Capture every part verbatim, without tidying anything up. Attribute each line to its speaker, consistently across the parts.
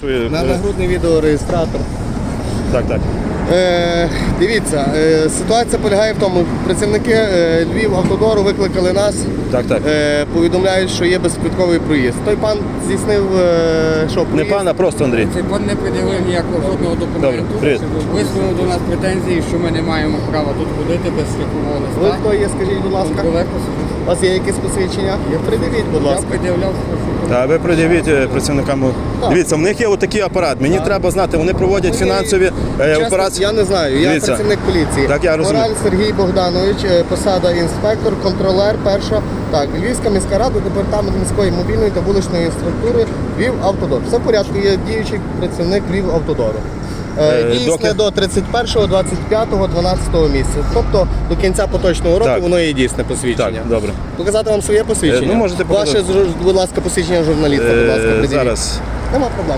Speaker 1: На нагрудний відеореєстратор.
Speaker 2: Так, так.
Speaker 1: Е, дивіться, е, ситуація полягає в тому, працівники е, Львівавтодору викликали нас,
Speaker 2: Так, так.
Speaker 1: Е, повідомляють, що є безквитковий проїзд. Той пан здійснив, е, що
Speaker 2: Не
Speaker 1: проїзд?
Speaker 2: пан, а просто Андрій.
Speaker 3: Цей пан не пред'явив ніякого жодного документу.
Speaker 2: Добре, привіт.
Speaker 3: Висунув до нас претензії, що ми не маємо права тут ходити без страхового
Speaker 1: Ви
Speaker 3: листа.
Speaker 1: хто є, скажіть, будь ласка?
Speaker 3: Контролер посаджу.
Speaker 1: У вас є якісь посвідчення? Придивіть, будь
Speaker 3: Я
Speaker 1: ласка.
Speaker 3: пред'являв.
Speaker 2: Та ви пред'явіть е, працівникам. Дивіться, в них є отакий апарат. Мені треба знати, вони проводять фінансові е,
Speaker 1: Чесно,
Speaker 2: операції.
Speaker 1: я не знаю, я
Speaker 2: Дивіться.
Speaker 1: працівник поліції.
Speaker 2: Так, я розумію.
Speaker 1: Мораль Сергій Богданович, е, посада інспектор, контролер, перша. Так, Львівська міська рада, департамент міської мобільної та вуличної інфраструктури, Львівавтодор. Все в порядку, є діючий працівник Львівавтодору.
Speaker 2: Е,
Speaker 1: Дійсне
Speaker 2: доки-
Speaker 1: до тридцять першого, двадцять п'ятого, дванадцятого місяця. Тобто до кінця поточного року
Speaker 2: Так.
Speaker 1: воно є дійсне посвідчення.
Speaker 2: Так, добре.
Speaker 1: Показати вам своє посвідчення?
Speaker 2: Е, ну, можете показати.
Speaker 1: Ваше, зру- будь ласка, посвідчення журналіста, будь ласка,
Speaker 2: Е,
Speaker 1: придивіть.
Speaker 2: зараз.
Speaker 1: Нема проблем.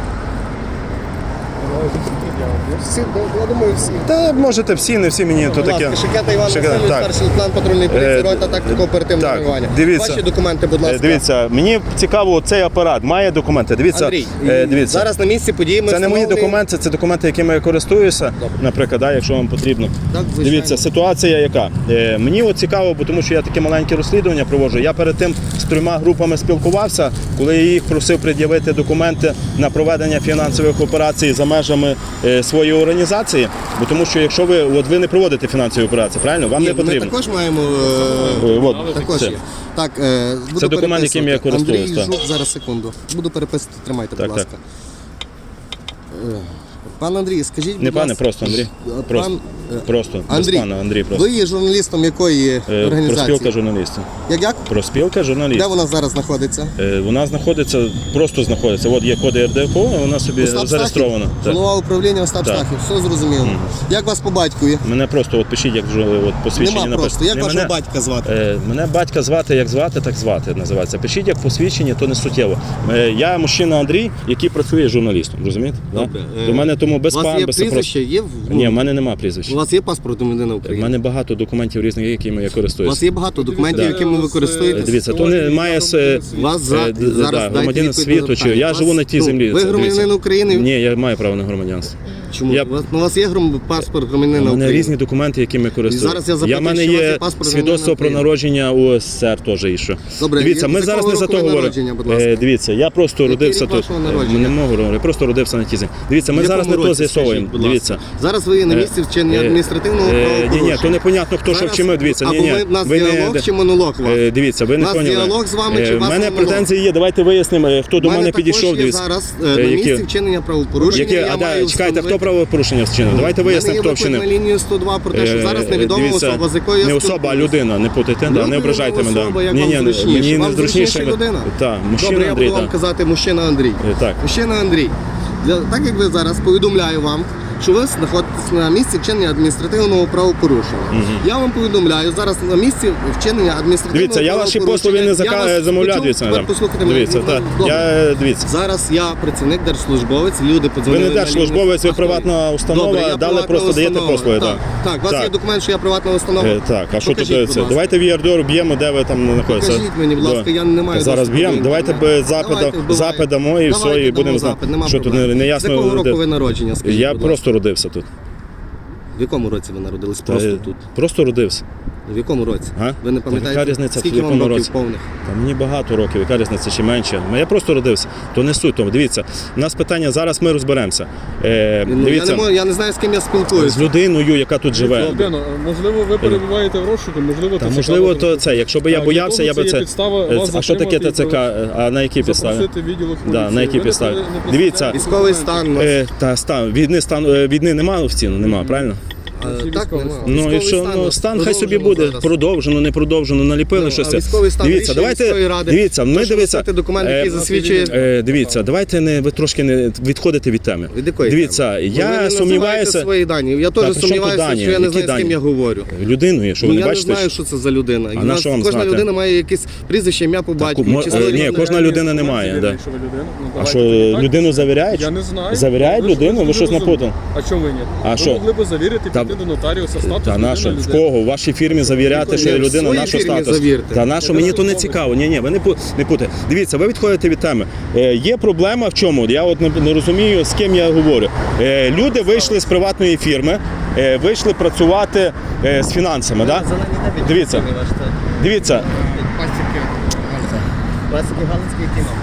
Speaker 1: Всі, я думаю, всі.
Speaker 2: Та можете всі, не всі мені то
Speaker 1: Будь
Speaker 2: таке.
Speaker 1: ласка, Шикета Іван
Speaker 2: Шикета,
Speaker 1: Васильович,
Speaker 2: так.
Speaker 1: старший лейтенант патрульної поліції,
Speaker 2: Е,
Speaker 1: рота тактико оперативного
Speaker 2: так,
Speaker 1: реагування.
Speaker 2: дивіться.
Speaker 1: Ваші документи, будь
Speaker 2: Е,
Speaker 1: ласка.
Speaker 2: Дивіться, мені цікаво, цей апарат має документи. Дивіться,
Speaker 1: Андрій,
Speaker 2: е, дивіться.
Speaker 1: зараз на місці події ми
Speaker 2: Це не мої
Speaker 1: встановлюємо-
Speaker 2: документи, це документи, якими я користуюся, наприклад, да, якщо вам потрібно.
Speaker 1: Так, звичайно.
Speaker 2: Дивіться, ситуація яка. Е, мені от цікаво, бо тому що я таке маленьке розслідування проводжу. Я перед тим з трьома групами спілкувався, коли я їх просив пред'явити документи на проведення фінансових операцій за межами е, своєї організації. Бо тому що якщо ви от ви не проводите фінансові операції, правильно? Вам
Speaker 1: Ні,
Speaker 2: не
Speaker 1: ми
Speaker 2: потрібно.
Speaker 1: також маємо. е,
Speaker 2: Е, от,
Speaker 1: Також
Speaker 2: це.
Speaker 1: є. Так, е, буду
Speaker 2: Це документ, яким я
Speaker 1: переписувати.
Speaker 2: користуюсь,
Speaker 1: Андрій
Speaker 2: так.
Speaker 1: Жук, зараз секунду. Буду переписувати, тримайте,
Speaker 2: Так,
Speaker 1: будь
Speaker 2: так.
Speaker 1: ласка. Е, Пан Андрій, скажіть, будь
Speaker 2: Не пане,
Speaker 1: ласка,
Speaker 2: просто Андрій.
Speaker 1: пан,
Speaker 2: Просто,
Speaker 1: е,
Speaker 2: просто без
Speaker 1: Андрій,
Speaker 2: пана Андрій просто.
Speaker 1: ви є журналістом якої
Speaker 2: Е,
Speaker 1: організації?
Speaker 2: Проспілка журналістів.
Speaker 1: Як як?
Speaker 2: Проспілка журналістів.
Speaker 1: Де вона зараз знаходиться?
Speaker 2: Е, Вона знаходиться, просто знаходиться. От є коди ер де еф о, вона собі
Speaker 1: Остап
Speaker 2: зареєстрована.
Speaker 1: Стахів?
Speaker 2: Так.
Speaker 1: Голова управління Остап
Speaker 2: Так.
Speaker 1: Стахів, все зрозуміло. Як вас по батькові?
Speaker 2: Мене просто от пишіть, як вже от посвідчення
Speaker 1: Нема просто. Як
Speaker 2: Не,
Speaker 1: вашого
Speaker 2: мене,
Speaker 1: батька звати?
Speaker 2: е, мене батька звати, як звати, так звати називається. Пишіть як посвідчення, то не суттєво. Е, я мужчина Андрій, який працює журналістом, розумієте?
Speaker 1: Добре.
Speaker 2: Да?
Speaker 1: Е,
Speaker 2: До мене тому без
Speaker 1: У вас
Speaker 2: пан,
Speaker 1: є
Speaker 2: без
Speaker 1: прізвище? Є в...
Speaker 2: Ні, в мене нема прізвища.
Speaker 1: У вас є паспорт громадянина
Speaker 2: У
Speaker 1: України?
Speaker 2: мене багато документів різних, якими я
Speaker 1: У
Speaker 2: користуюся.
Speaker 1: вас є багато документів,
Speaker 2: Да.
Speaker 1: якими ви
Speaker 2: Е,
Speaker 1: користуєтесь?
Speaker 2: Дивіться, то не має с-
Speaker 1: У вас за...
Speaker 2: е, д-
Speaker 1: зараз
Speaker 2: да,
Speaker 1: дайте
Speaker 2: громадянин
Speaker 1: відповідь на
Speaker 2: світу, чи
Speaker 1: запитання.
Speaker 2: я
Speaker 1: У
Speaker 2: живу
Speaker 1: вас-
Speaker 2: на тій
Speaker 1: ну,
Speaker 2: землі.
Speaker 1: Ви
Speaker 2: це,
Speaker 1: громадянин
Speaker 2: дивіться.
Speaker 1: України?
Speaker 2: Ні, я маю право на громадянство.
Speaker 1: Чому?
Speaker 2: Я-
Speaker 1: У, вас, ну, у вас є гром... паспорт
Speaker 2: У
Speaker 1: громадянина
Speaker 2: мене
Speaker 1: України?
Speaker 2: різні документи, якими користуюся.
Speaker 1: зараз я запитую,
Speaker 2: в мене
Speaker 1: що у вас є
Speaker 2: є
Speaker 1: паспорт
Speaker 2: свідоцтво про
Speaker 1: громадянина
Speaker 2: народження у ес ес ер теж і що.
Speaker 1: Добре,
Speaker 2: Дивіться,
Speaker 1: і
Speaker 2: ми
Speaker 1: з
Speaker 2: зараз
Speaker 1: якого
Speaker 2: не за
Speaker 1: року
Speaker 2: то
Speaker 1: ви
Speaker 2: говоримо.
Speaker 1: народження, будь ласка?
Speaker 2: Е, Дивіться, я просто
Speaker 1: Який
Speaker 2: родився
Speaker 1: рік
Speaker 2: тут.
Speaker 1: вашого
Speaker 2: Е,
Speaker 1: народження?
Speaker 2: Не можу говорити, я просто родився на тій землі. Дивіться, ми
Speaker 1: В
Speaker 2: зараз не
Speaker 1: якому
Speaker 2: то
Speaker 1: році,
Speaker 2: з'ясовуємо.
Speaker 1: скажіть, будь ласка?
Speaker 2: Дивіться.
Speaker 1: Зараз ви є на місці вчинення
Speaker 2: Е,
Speaker 1: адміністративного
Speaker 2: е, Ні, ні,
Speaker 1: правопорушення.
Speaker 2: то непонятно, хто що
Speaker 1: Зараз-
Speaker 2: вчинив. Дивіться, ні,
Speaker 1: або
Speaker 2: ні.
Speaker 1: ви- в нас
Speaker 2: ви не-
Speaker 1: діалог чи монолог у вас?
Speaker 2: Е, Дивіться, ви не
Speaker 1: У нас
Speaker 2: поняли.
Speaker 1: діалог з вами чи
Speaker 2: Е,
Speaker 1: у вас
Speaker 2: в мене
Speaker 1: монолог?
Speaker 2: претензії є, давайте вияснимо, е, хто до
Speaker 1: У
Speaker 2: мене
Speaker 1: також
Speaker 2: підійшов.
Speaker 1: є
Speaker 2: Дивіться.
Speaker 1: зараз е,
Speaker 2: Е,
Speaker 1: на
Speaker 2: які-
Speaker 1: місці вчинення правопорушення.
Speaker 2: Які,
Speaker 1: я
Speaker 2: а, да,
Speaker 1: маю
Speaker 2: чекайте, хто
Speaker 1: встановити-
Speaker 2: правопорушення вчинив? Давайте вияснимо,
Speaker 1: Мене
Speaker 2: хто
Speaker 1: є виклик
Speaker 2: вчинив.
Speaker 1: на лінію сто два про те, що зараз
Speaker 2: Е,
Speaker 1: невідома
Speaker 2: дивіться,
Speaker 1: особа, з якою я
Speaker 2: не особа, а
Speaker 1: спілкуюсь.
Speaker 2: людина, не путайте, да,
Speaker 1: Людина,
Speaker 2: не ображайте мене.
Speaker 1: особа,
Speaker 2: да.
Speaker 1: як
Speaker 2: Ні,
Speaker 1: вам
Speaker 2: ні,
Speaker 1: зручніше?
Speaker 2: мені
Speaker 1: Вам
Speaker 2: не зручніше.
Speaker 1: зручніше людина?
Speaker 2: Так, мужчина
Speaker 1: Добре, я
Speaker 2: Андрій,
Speaker 1: буду вам
Speaker 2: так.
Speaker 1: казати мужчина Андрій.
Speaker 2: Е, так.
Speaker 1: Мужчина Андрій, для, так як ви зараз повідомляю вам, що ви знаходитесь на місці вчинення адміністративного правопорушення. Я вам повідомляю, зараз на місці вчинення адміністративного
Speaker 2: Дивіться, я ваші послуги не
Speaker 1: Я вас
Speaker 2: зака... замовляю,
Speaker 1: почув,
Speaker 2: дивіться.
Speaker 1: тепер
Speaker 2: да.
Speaker 1: послухайте мене.
Speaker 2: Дивіться,
Speaker 1: Ну,
Speaker 2: так.
Speaker 1: добре.
Speaker 2: Я, дивіться.
Speaker 1: Зараз я працівник, держслужбовець, люди
Speaker 2: Ви
Speaker 1: подзвонили.
Speaker 2: не
Speaker 1: на лінію.
Speaker 2: держслужбовець, ви
Speaker 1: А хто
Speaker 2: приватна
Speaker 1: ви?
Speaker 2: установа,
Speaker 1: Добре, я
Speaker 2: дали
Speaker 1: приватна
Speaker 2: просто даєте
Speaker 1: установа.
Speaker 2: послуги.
Speaker 1: Так,
Speaker 2: Так,
Speaker 1: так, у вас
Speaker 2: Так.
Speaker 1: є документ, що я приватна установа?
Speaker 2: Е, Так, а що тут
Speaker 1: Покажіть,
Speaker 2: це?
Speaker 1: будь ласка.
Speaker 2: Давайте в ЄРДР б'ємо, де ви там знаходитеся.
Speaker 1: Покажіть мені, будь ласка,
Speaker 2: Да.
Speaker 1: я не маю
Speaker 2: Зараз
Speaker 1: доступу
Speaker 2: б'ємо,
Speaker 1: до
Speaker 2: давайте
Speaker 1: інтернету.
Speaker 2: б запит,
Speaker 1: Давайте, вбивайте.
Speaker 2: запит дамо і все,
Speaker 1: Давайте
Speaker 2: і
Speaker 1: дамо
Speaker 2: будемо
Speaker 1: запит,
Speaker 2: знати.
Speaker 1: нема
Speaker 2: Що тут
Speaker 1: проблем.
Speaker 2: не, не
Speaker 1: З
Speaker 2: ясно.
Speaker 1: якого року
Speaker 2: де-
Speaker 1: ви народження, скажіть,
Speaker 2: Я
Speaker 1: будь
Speaker 2: просто родився тут.
Speaker 1: В якому році ви народились? Просто
Speaker 2: Е,
Speaker 1: тут.
Speaker 2: Просто родився.
Speaker 1: В якому році?
Speaker 2: А?
Speaker 1: Ви не
Speaker 2: Та
Speaker 1: пам'ятаєте,
Speaker 2: яка різниця, в
Speaker 1: скільки вам
Speaker 2: якому
Speaker 1: років
Speaker 2: році?
Speaker 1: повних?
Speaker 2: Та мені багато років, яка різниця чи менше. Я просто родився. То не суть тому. Дивіться, у нас питання, зараз ми розберемося. Е,
Speaker 1: Ну, я,
Speaker 2: дивіться,
Speaker 1: не можу, я не знаю, з ким я спілкуюся.
Speaker 2: з людиною, яка тут живе.
Speaker 4: Богдано, можливо, ви перебуваєте в розшуку, можливо,
Speaker 2: Та
Speaker 4: ТЦК
Speaker 2: можливо,
Speaker 4: вас
Speaker 2: то
Speaker 4: розшукує.
Speaker 2: це. Якщо б я
Speaker 4: Так,
Speaker 2: боявся,
Speaker 4: для
Speaker 2: я
Speaker 4: того
Speaker 2: би
Speaker 4: це
Speaker 2: це.
Speaker 4: є підстава
Speaker 2: Е,
Speaker 4: вас
Speaker 2: А що таке
Speaker 4: затримати і
Speaker 2: ТЦК? А на якій підставі?
Speaker 4: запросити відділок
Speaker 2: Да, на
Speaker 4: поліції.
Speaker 2: якій
Speaker 4: Ви не
Speaker 2: підставі?
Speaker 4: при- не представляєте
Speaker 2: Дивіться.
Speaker 4: документів.
Speaker 1: Військовий стан. у нас.
Speaker 2: Е, та стан війни стан е, війни немає офіційно, немає, правильно?
Speaker 1: А,
Speaker 4: Який
Speaker 1: так,
Speaker 4: військовий
Speaker 1: нема.
Speaker 4: стан?
Speaker 2: Ну і
Speaker 1: Військовий
Speaker 2: що
Speaker 1: стан,
Speaker 2: ну
Speaker 1: от,
Speaker 2: стан хай собі
Speaker 1: продовжено
Speaker 2: буде
Speaker 1: зараз.
Speaker 2: продовжено, не продовжено, наліпили
Speaker 1: Ну,
Speaker 2: щось.
Speaker 1: а військовий стан
Speaker 2: Дивіться,
Speaker 1: рішення міської
Speaker 2: давайте
Speaker 1: ради.
Speaker 2: дивіться. Ми
Speaker 1: Прошу
Speaker 2: дивіться
Speaker 1: написати документ, який
Speaker 2: е,
Speaker 1: засвідчує.
Speaker 2: е, Дивіться, давайте не ви трошки не відходите від теми.
Speaker 1: Від якої
Speaker 2: Дивіться,
Speaker 1: теми? Ну, ви
Speaker 2: я
Speaker 1: не називаєте
Speaker 2: сумніваюся
Speaker 1: свої дані. Я
Speaker 2: Та,
Speaker 1: теж
Speaker 2: при чому тут
Speaker 1: сумніваюся,
Speaker 2: дані?
Speaker 1: що я не
Speaker 2: Які
Speaker 1: знаю, з ким
Speaker 2: дані?
Speaker 1: я говорю.
Speaker 2: людиною, що ви
Speaker 1: Ну,
Speaker 2: не
Speaker 1: я
Speaker 2: бачите.
Speaker 1: не знаю, що це за людина. І
Speaker 2: А
Speaker 1: в
Speaker 2: на
Speaker 1: нас
Speaker 2: що вам
Speaker 1: кожна
Speaker 2: знати?
Speaker 1: людина має якесь прізвище, ім'я по батькові.
Speaker 2: мо-
Speaker 1: Чи
Speaker 2: е,
Speaker 1: своє
Speaker 2: ні,
Speaker 1: ім'я.
Speaker 2: кожна людина не має,
Speaker 4: Завіряє,
Speaker 2: да.
Speaker 4: що ви людина. Ну,
Speaker 2: А
Speaker 4: давайте
Speaker 2: що
Speaker 4: тоді так.
Speaker 2: людину завіряють?
Speaker 4: Я не знаю.
Speaker 2: Завіряють
Speaker 4: Ви ж
Speaker 2: людину? Ви щось
Speaker 4: не
Speaker 2: напутали?
Speaker 4: розумієте. А чому ви ні?
Speaker 2: А
Speaker 4: ви
Speaker 2: що?
Speaker 4: могли б завірити,
Speaker 2: Та,
Speaker 4: піти до нотаріуса статус
Speaker 2: Та
Speaker 4: людини,
Speaker 2: нащо? В
Speaker 4: людини.
Speaker 2: кого? В вашій фірмі завіряти, що
Speaker 1: Ні, в
Speaker 2: людина
Speaker 1: своїй
Speaker 2: нашу
Speaker 1: фірмі
Speaker 2: статус?
Speaker 1: завірте.
Speaker 2: Та нащо? Мені то не цікаво. Ні, ні, ви не, пу- не путайте. Дивіться, ви відходите від теми. Е, є проблема в чому? Я от не, не розумію, з ким я говорю. Е, люди вийшли з приватної фірми, е, вийшли працювати е, з фінансами. Да? Дивіться, дивіться.
Speaker 3: Пасіки.
Speaker 1: Пасіки Галицький який номер?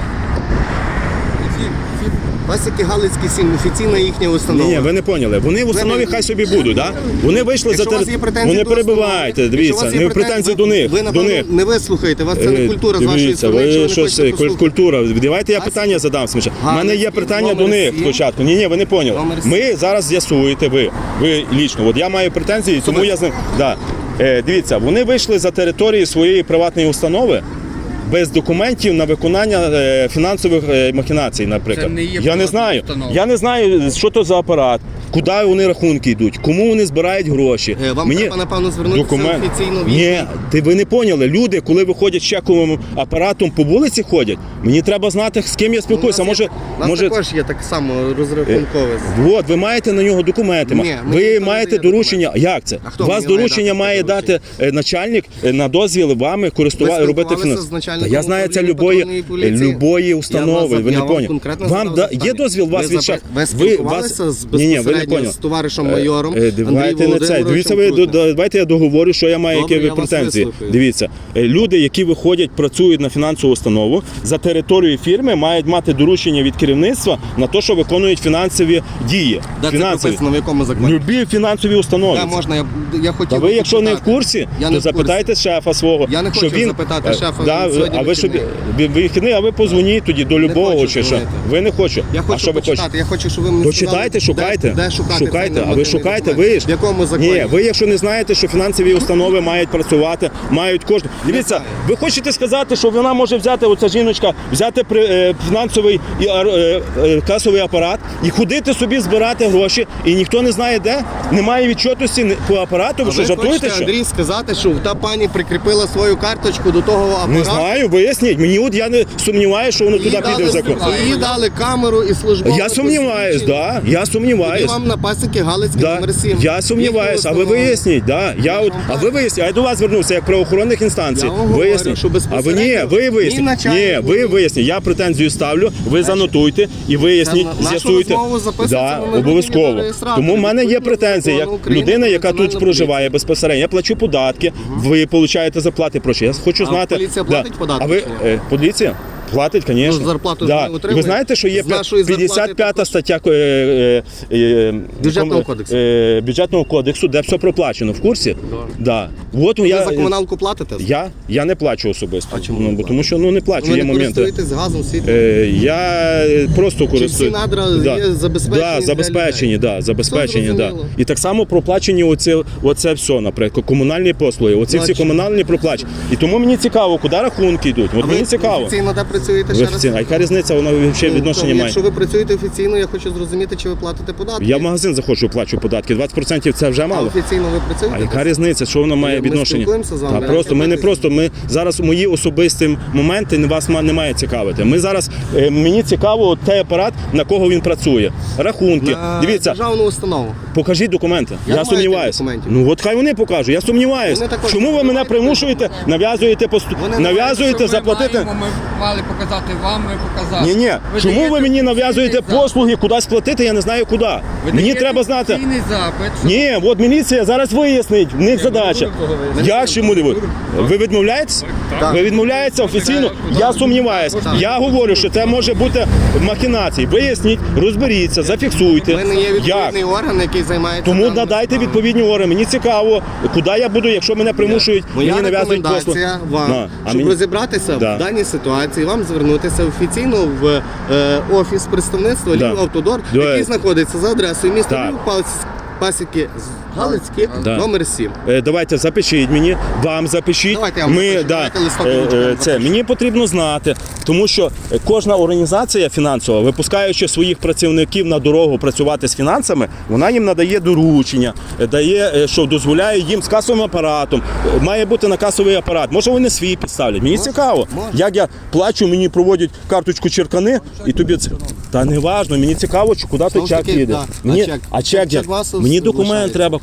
Speaker 1: Пасіки Галицький сім, офіційна їхня установа.
Speaker 2: Ні, ні, ви не поняли. Вони в установі хай собі будуть, да? Вони вийшли
Speaker 1: Якщо
Speaker 2: за
Speaker 1: у вас
Speaker 2: тер...
Speaker 1: є претензії
Speaker 2: Вони
Speaker 1: до
Speaker 2: перебиваєте,
Speaker 1: установи,
Speaker 2: дивіться,
Speaker 1: якщо у вас є
Speaker 2: не претензії до них.
Speaker 1: Ви,
Speaker 2: до
Speaker 1: напевно,
Speaker 2: них.
Speaker 1: не вислухаєте, у вас це не
Speaker 2: Е,
Speaker 1: культура з вашої
Speaker 2: дивіться,
Speaker 1: сторони, якщо
Speaker 2: ви
Speaker 1: ви не
Speaker 2: щось
Speaker 1: хочете послухати.
Speaker 2: культура. Давайте я
Speaker 1: Пасіки.
Speaker 2: питання задам сміча. У мене є
Speaker 1: Галицький,
Speaker 2: питання до
Speaker 1: номер
Speaker 2: них
Speaker 1: сім.
Speaker 2: спочатку. Ні, ні, ви не поняли.
Speaker 1: Номер сім.
Speaker 2: Ми зараз з'ясуєте ви. Ви лічно. От я маю претензії, тому я з ним. Да. Е, дивіться, вони вийшли за території своєї приватної установи. Без документів на виконання е, фінансових е, махінацій, наприклад.
Speaker 3: Це не є
Speaker 2: я не
Speaker 3: приватна
Speaker 2: знаю.
Speaker 3: установа.
Speaker 2: Я не знаю, що то за апарат, куди вони рахунки йдуть, кому вони збирають гроші.
Speaker 1: Е, Вам треба, напевно, звернутися
Speaker 2: документ.
Speaker 1: офіційно в
Speaker 2: Ні,
Speaker 1: їхній-
Speaker 2: ти ви не поняли. Люди, коли виходять з чековим апаратом по вулиці ходять, мені треба знати, з ким я спілкуюся.
Speaker 1: У нас
Speaker 2: Може,
Speaker 1: є- у нас
Speaker 2: може,
Speaker 1: також є так само розрахункове.
Speaker 2: от ви маєте на нього документи.
Speaker 1: Ні, ми
Speaker 2: ви
Speaker 1: ніхто не
Speaker 2: маєте
Speaker 1: дає
Speaker 2: доручення. Як це?
Speaker 1: А хто
Speaker 2: У вас
Speaker 1: мені має
Speaker 2: доручення
Speaker 1: дати
Speaker 2: має
Speaker 1: таке
Speaker 2: дати е, начальник е, на дозвіл вами користувати
Speaker 1: Ви
Speaker 2: робити
Speaker 1: спілкувалися
Speaker 2: фінанс.
Speaker 1: з начальником
Speaker 2: Та я знаю це
Speaker 1: управління
Speaker 2: любої,
Speaker 1: патрульної поліції?
Speaker 2: любої
Speaker 1: Я
Speaker 2: установи.
Speaker 1: вас-
Speaker 2: Ви
Speaker 1: я
Speaker 2: не
Speaker 1: вам
Speaker 2: поняли.
Speaker 1: конкретно
Speaker 2: Вам
Speaker 1: задав
Speaker 2: да,
Speaker 1: запитання.
Speaker 2: є дозвіл вас
Speaker 1: Ви
Speaker 2: від шеф.
Speaker 1: запит- ви спілкувалися з
Speaker 2: ні, ні, ви не
Speaker 1: безпосередньо
Speaker 2: поняли.
Speaker 1: з товаришем майором
Speaker 2: Е, е, Давайте
Speaker 1: Андрієм
Speaker 2: не це. Дивіться, ви
Speaker 1: Володимировичем
Speaker 2: до- давайте я договорю, що я маю,
Speaker 1: Добре,
Speaker 2: які
Speaker 1: я вас
Speaker 2: претензії.
Speaker 1: вислухаю.
Speaker 2: Дивіться, е, люди, які виходять, працюють на фінансову установу за територією фірми, мають мати доручення від керівництва на те, що виконують фінансові дії.
Speaker 1: Де це
Speaker 2: Фінансові.
Speaker 1: прописано, в якому законі?
Speaker 2: Любі фінансові установи.
Speaker 1: Да, можна, я, я хотів
Speaker 2: Та
Speaker 1: би
Speaker 2: ви, якщо не в
Speaker 1: запитати.
Speaker 2: курсі,
Speaker 1: Я
Speaker 2: то
Speaker 1: не в курсі.
Speaker 2: запитайте шефа свого.
Speaker 1: Я не
Speaker 2: що
Speaker 1: хочу
Speaker 2: він,
Speaker 1: запитати
Speaker 2: е,
Speaker 1: шефа,
Speaker 2: Да,
Speaker 1: сьогодні
Speaker 2: а ви що
Speaker 1: вихідний.
Speaker 2: ви- вихідний, а ви позвоніть тоді до любого
Speaker 1: хочу
Speaker 2: чи що?
Speaker 1: дзвонити.
Speaker 2: Ви не хочете.
Speaker 1: Я
Speaker 2: а
Speaker 1: хочу
Speaker 2: що ви
Speaker 1: почитати,
Speaker 2: хочете?
Speaker 1: я хочу, щоб ви мені
Speaker 2: То
Speaker 1: сказали,
Speaker 2: читайте, шукайте.
Speaker 1: Де, де шукати
Speaker 2: шукайте,
Speaker 1: цей
Speaker 2: а ви
Speaker 1: нормативний
Speaker 2: шукайте,
Speaker 1: документ?
Speaker 2: ви ж.
Speaker 1: В якому законі?
Speaker 2: Ні, ви якщо не знаєте, що фінансові установи мають працювати, мають кожен. Дивіться, ви хочете сказати, що вона може взяти, оця жіночка, взяти при, е, фінансовий і, ар- е, е, касовий апарат і ходити собі збирати гроші, і ніхто не знає де? Немає відчетності ні- по апарату, ви
Speaker 1: А
Speaker 2: що
Speaker 1: ви
Speaker 2: жартуєте?
Speaker 1: хочете,
Speaker 2: Що?
Speaker 1: Андрій, сказати, що та пані прикріпила свою карточку до того апарату?
Speaker 2: Не знаю, виясніть. Мені от я не сумніваюся, що воно
Speaker 1: Їй
Speaker 2: туди піде в
Speaker 1: дали,
Speaker 2: закон.
Speaker 1: їй дали камеру і службове
Speaker 2: Я сумніваюсь,
Speaker 1: посвідчення.
Speaker 2: да, я
Speaker 1: Тоді
Speaker 2: сумніваюсь.
Speaker 1: вам на пасіки Галицький
Speaker 2: Да.
Speaker 1: номер сім.
Speaker 2: Я сумніваюсь, а ви
Speaker 1: Їхню
Speaker 2: виясніть, да. Я от, а ви виясніть, а я до вас звернувся як правоохоронних інстанцій.
Speaker 1: Я вам говорю,
Speaker 2: Виясніть.
Speaker 1: що
Speaker 2: А ви ні,
Speaker 1: безпосередньо
Speaker 2: ви
Speaker 1: ні
Speaker 2: виясніть. Ні,
Speaker 1: начальник,
Speaker 2: ви
Speaker 1: ні-
Speaker 2: виясніть. Я претензію ставлю, ви занотуйте і виясніть,
Speaker 1: Це на- нашу
Speaker 2: з'ясуйте.
Speaker 1: розмову записується
Speaker 2: Да,
Speaker 1: на мобільний
Speaker 2: обов'язково.
Speaker 1: реєстратор.
Speaker 2: Тому в мене є
Speaker 1: Відповідно
Speaker 2: претензії, як
Speaker 1: закону України
Speaker 2: людина,
Speaker 1: про
Speaker 2: яка тут
Speaker 1: національну
Speaker 2: проживає
Speaker 1: поліцію.
Speaker 2: безпосередньо. Я плачу податки, ви получаєте зарплати. Прошу, я хочу
Speaker 1: А
Speaker 2: знати.
Speaker 1: поліція
Speaker 2: да.
Speaker 1: платить податки
Speaker 2: А ви
Speaker 1: чи ні?
Speaker 2: е, поліція? Платить, звісно.
Speaker 1: Ну, зарплату
Speaker 2: да.
Speaker 1: ж не
Speaker 2: І ви
Speaker 1: отримує.
Speaker 2: знаєте, що є
Speaker 1: З нашої зарплати
Speaker 2: п'ятдесят п'ята
Speaker 1: також.
Speaker 2: стаття е, е, е,
Speaker 1: Бюджетного
Speaker 2: ком-
Speaker 1: кодексу.
Speaker 2: е, бюджетного кодексу, де все проплачено. В курсі? Да. От
Speaker 1: Ви
Speaker 2: я,
Speaker 1: за комуналку платите?
Speaker 2: я, я не плачу особисто.
Speaker 1: А чому
Speaker 2: ну,
Speaker 1: не
Speaker 2: бо
Speaker 1: платите?
Speaker 2: тому що ну, не плачу,
Speaker 1: Ви
Speaker 2: є
Speaker 1: не
Speaker 2: моменти.
Speaker 1: користуєтесь газом, світлом?
Speaker 2: Е, я просто користуюсь.
Speaker 1: всі надра є забезпечені
Speaker 2: Да,
Speaker 1: для
Speaker 2: забезпечені,
Speaker 1: людей?
Speaker 2: да, забезпечені,
Speaker 1: Все
Speaker 2: да.
Speaker 1: зрозуміло.
Speaker 2: І так само проплачені оце, оце все, наприклад, комунальні послуги. Оці всі
Speaker 1: Бачу.
Speaker 2: комунальні проплачені. І тому мені цікаво, куди рахунки йдуть. От
Speaker 1: А
Speaker 2: мені
Speaker 1: ви
Speaker 2: цікаво.
Speaker 1: офіційно де працюєте
Speaker 2: Ви
Speaker 1: ще раз?
Speaker 2: офіційно. А яка різниця, вона взагалі
Speaker 1: Ну,
Speaker 2: відношення
Speaker 1: то,
Speaker 2: має?
Speaker 1: Якщо ви працюєте офіційно, я хочу зрозуміти, чи ви платите податки.
Speaker 2: Я в магазин заходжу, плачу податки. двадцять відсотків це вже
Speaker 1: А
Speaker 2: мало.
Speaker 1: офіційно ви працюєте?
Speaker 2: А яка різниця, що воно має
Speaker 1: Ми
Speaker 2: відношення?
Speaker 1: спілкуємося з вами,
Speaker 2: Та
Speaker 1: я
Speaker 2: просто ми не
Speaker 1: спілкуюся.
Speaker 2: просто. Ми зараз мої особисті моменти не вас ма- не має цікавити. Ми зараз е, мені цікаво от той апарат, на кого він працює. Рахунки.
Speaker 1: На
Speaker 2: Дивіться,
Speaker 1: державну установу.
Speaker 2: покажіть документи.
Speaker 1: Я
Speaker 2: Я,
Speaker 1: не маю
Speaker 2: сумніваюся.
Speaker 1: тих документів.
Speaker 2: Ну от хай вони покажуть. Я сумніваюся.
Speaker 1: Вони також
Speaker 2: Чому ви мене
Speaker 1: мають
Speaker 2: примушуєте, нав'язуєте пост...
Speaker 1: Вони не
Speaker 2: нав'язуєте
Speaker 3: Що ми
Speaker 2: заплатити?
Speaker 3: маємо, ми мали показати вам, ми показали.
Speaker 2: Ні, ні. Чому ви
Speaker 3: даєте
Speaker 2: мені нав'язуєте
Speaker 3: офіційний
Speaker 2: послуги, кудись платити? Я не знаю куди.
Speaker 3: запит. Ви
Speaker 2: Мені
Speaker 3: даєте
Speaker 2: треба знати.
Speaker 3: офіційний запит, що
Speaker 2: Ні, от міліція зараз вияснить, в них задача. Як чому не ви? Ви відмовляєтесь?
Speaker 1: Так.
Speaker 2: Ви відмовляєтеся офіційно? Я сумніваюся.
Speaker 1: Так.
Speaker 2: Я говорю, що це може бути махінації. Виясніть, розберіться, зафіксуйте.
Speaker 1: У мене є
Speaker 2: Як?
Speaker 1: відповідний орган, який займається.
Speaker 2: Тому
Speaker 1: даними
Speaker 2: надайте
Speaker 1: справами.
Speaker 2: відповідні органи. Мені цікаво, куди я буду, якщо мене примушують,
Speaker 1: Моя
Speaker 2: мені нав'язують послуги.
Speaker 1: рекомендація вам,
Speaker 2: На, а
Speaker 1: щоб
Speaker 2: мені-
Speaker 1: розібратися
Speaker 2: Да.
Speaker 1: в даній ситуації, вам звернутися офіційно в е, офіс представництва
Speaker 2: Да.
Speaker 1: Львів Автодор,
Speaker 2: Да.
Speaker 1: який знаходиться за адресою міста
Speaker 2: Так.
Speaker 1: Львів, Пас- Пасіки Галицькі,
Speaker 2: Да.
Speaker 1: номер сім.
Speaker 2: Е, Давайте запишіть мені, вам запишіть.
Speaker 1: Давайте я вам
Speaker 2: Ми,
Speaker 1: запишу.
Speaker 2: да,
Speaker 1: Давайте листок
Speaker 2: е, е,
Speaker 1: ручкою
Speaker 2: це, мені потрібно знати, тому що кожна організація фінансова, випускаючи своїх працівників на дорогу працювати з фінансами, вона їм надає доручення, е, дає, е, що дозволяє їм з касовим апаратом. Е, Має бути на касовий апарат. Може вони свій підставлять. Мені цікаво.
Speaker 1: може.
Speaker 2: Як я плачу, мені проводять карточку черкани, і тобі це. Та не важно, мені цікаво, чи куди той
Speaker 1: Знову ж
Speaker 2: чек
Speaker 1: таки,
Speaker 2: їде.
Speaker 1: да. А
Speaker 2: Мені,
Speaker 1: чек?
Speaker 2: а чек,
Speaker 1: Чек
Speaker 2: як?
Speaker 1: вас
Speaker 2: Мені документ
Speaker 1: залишається.
Speaker 2: треба,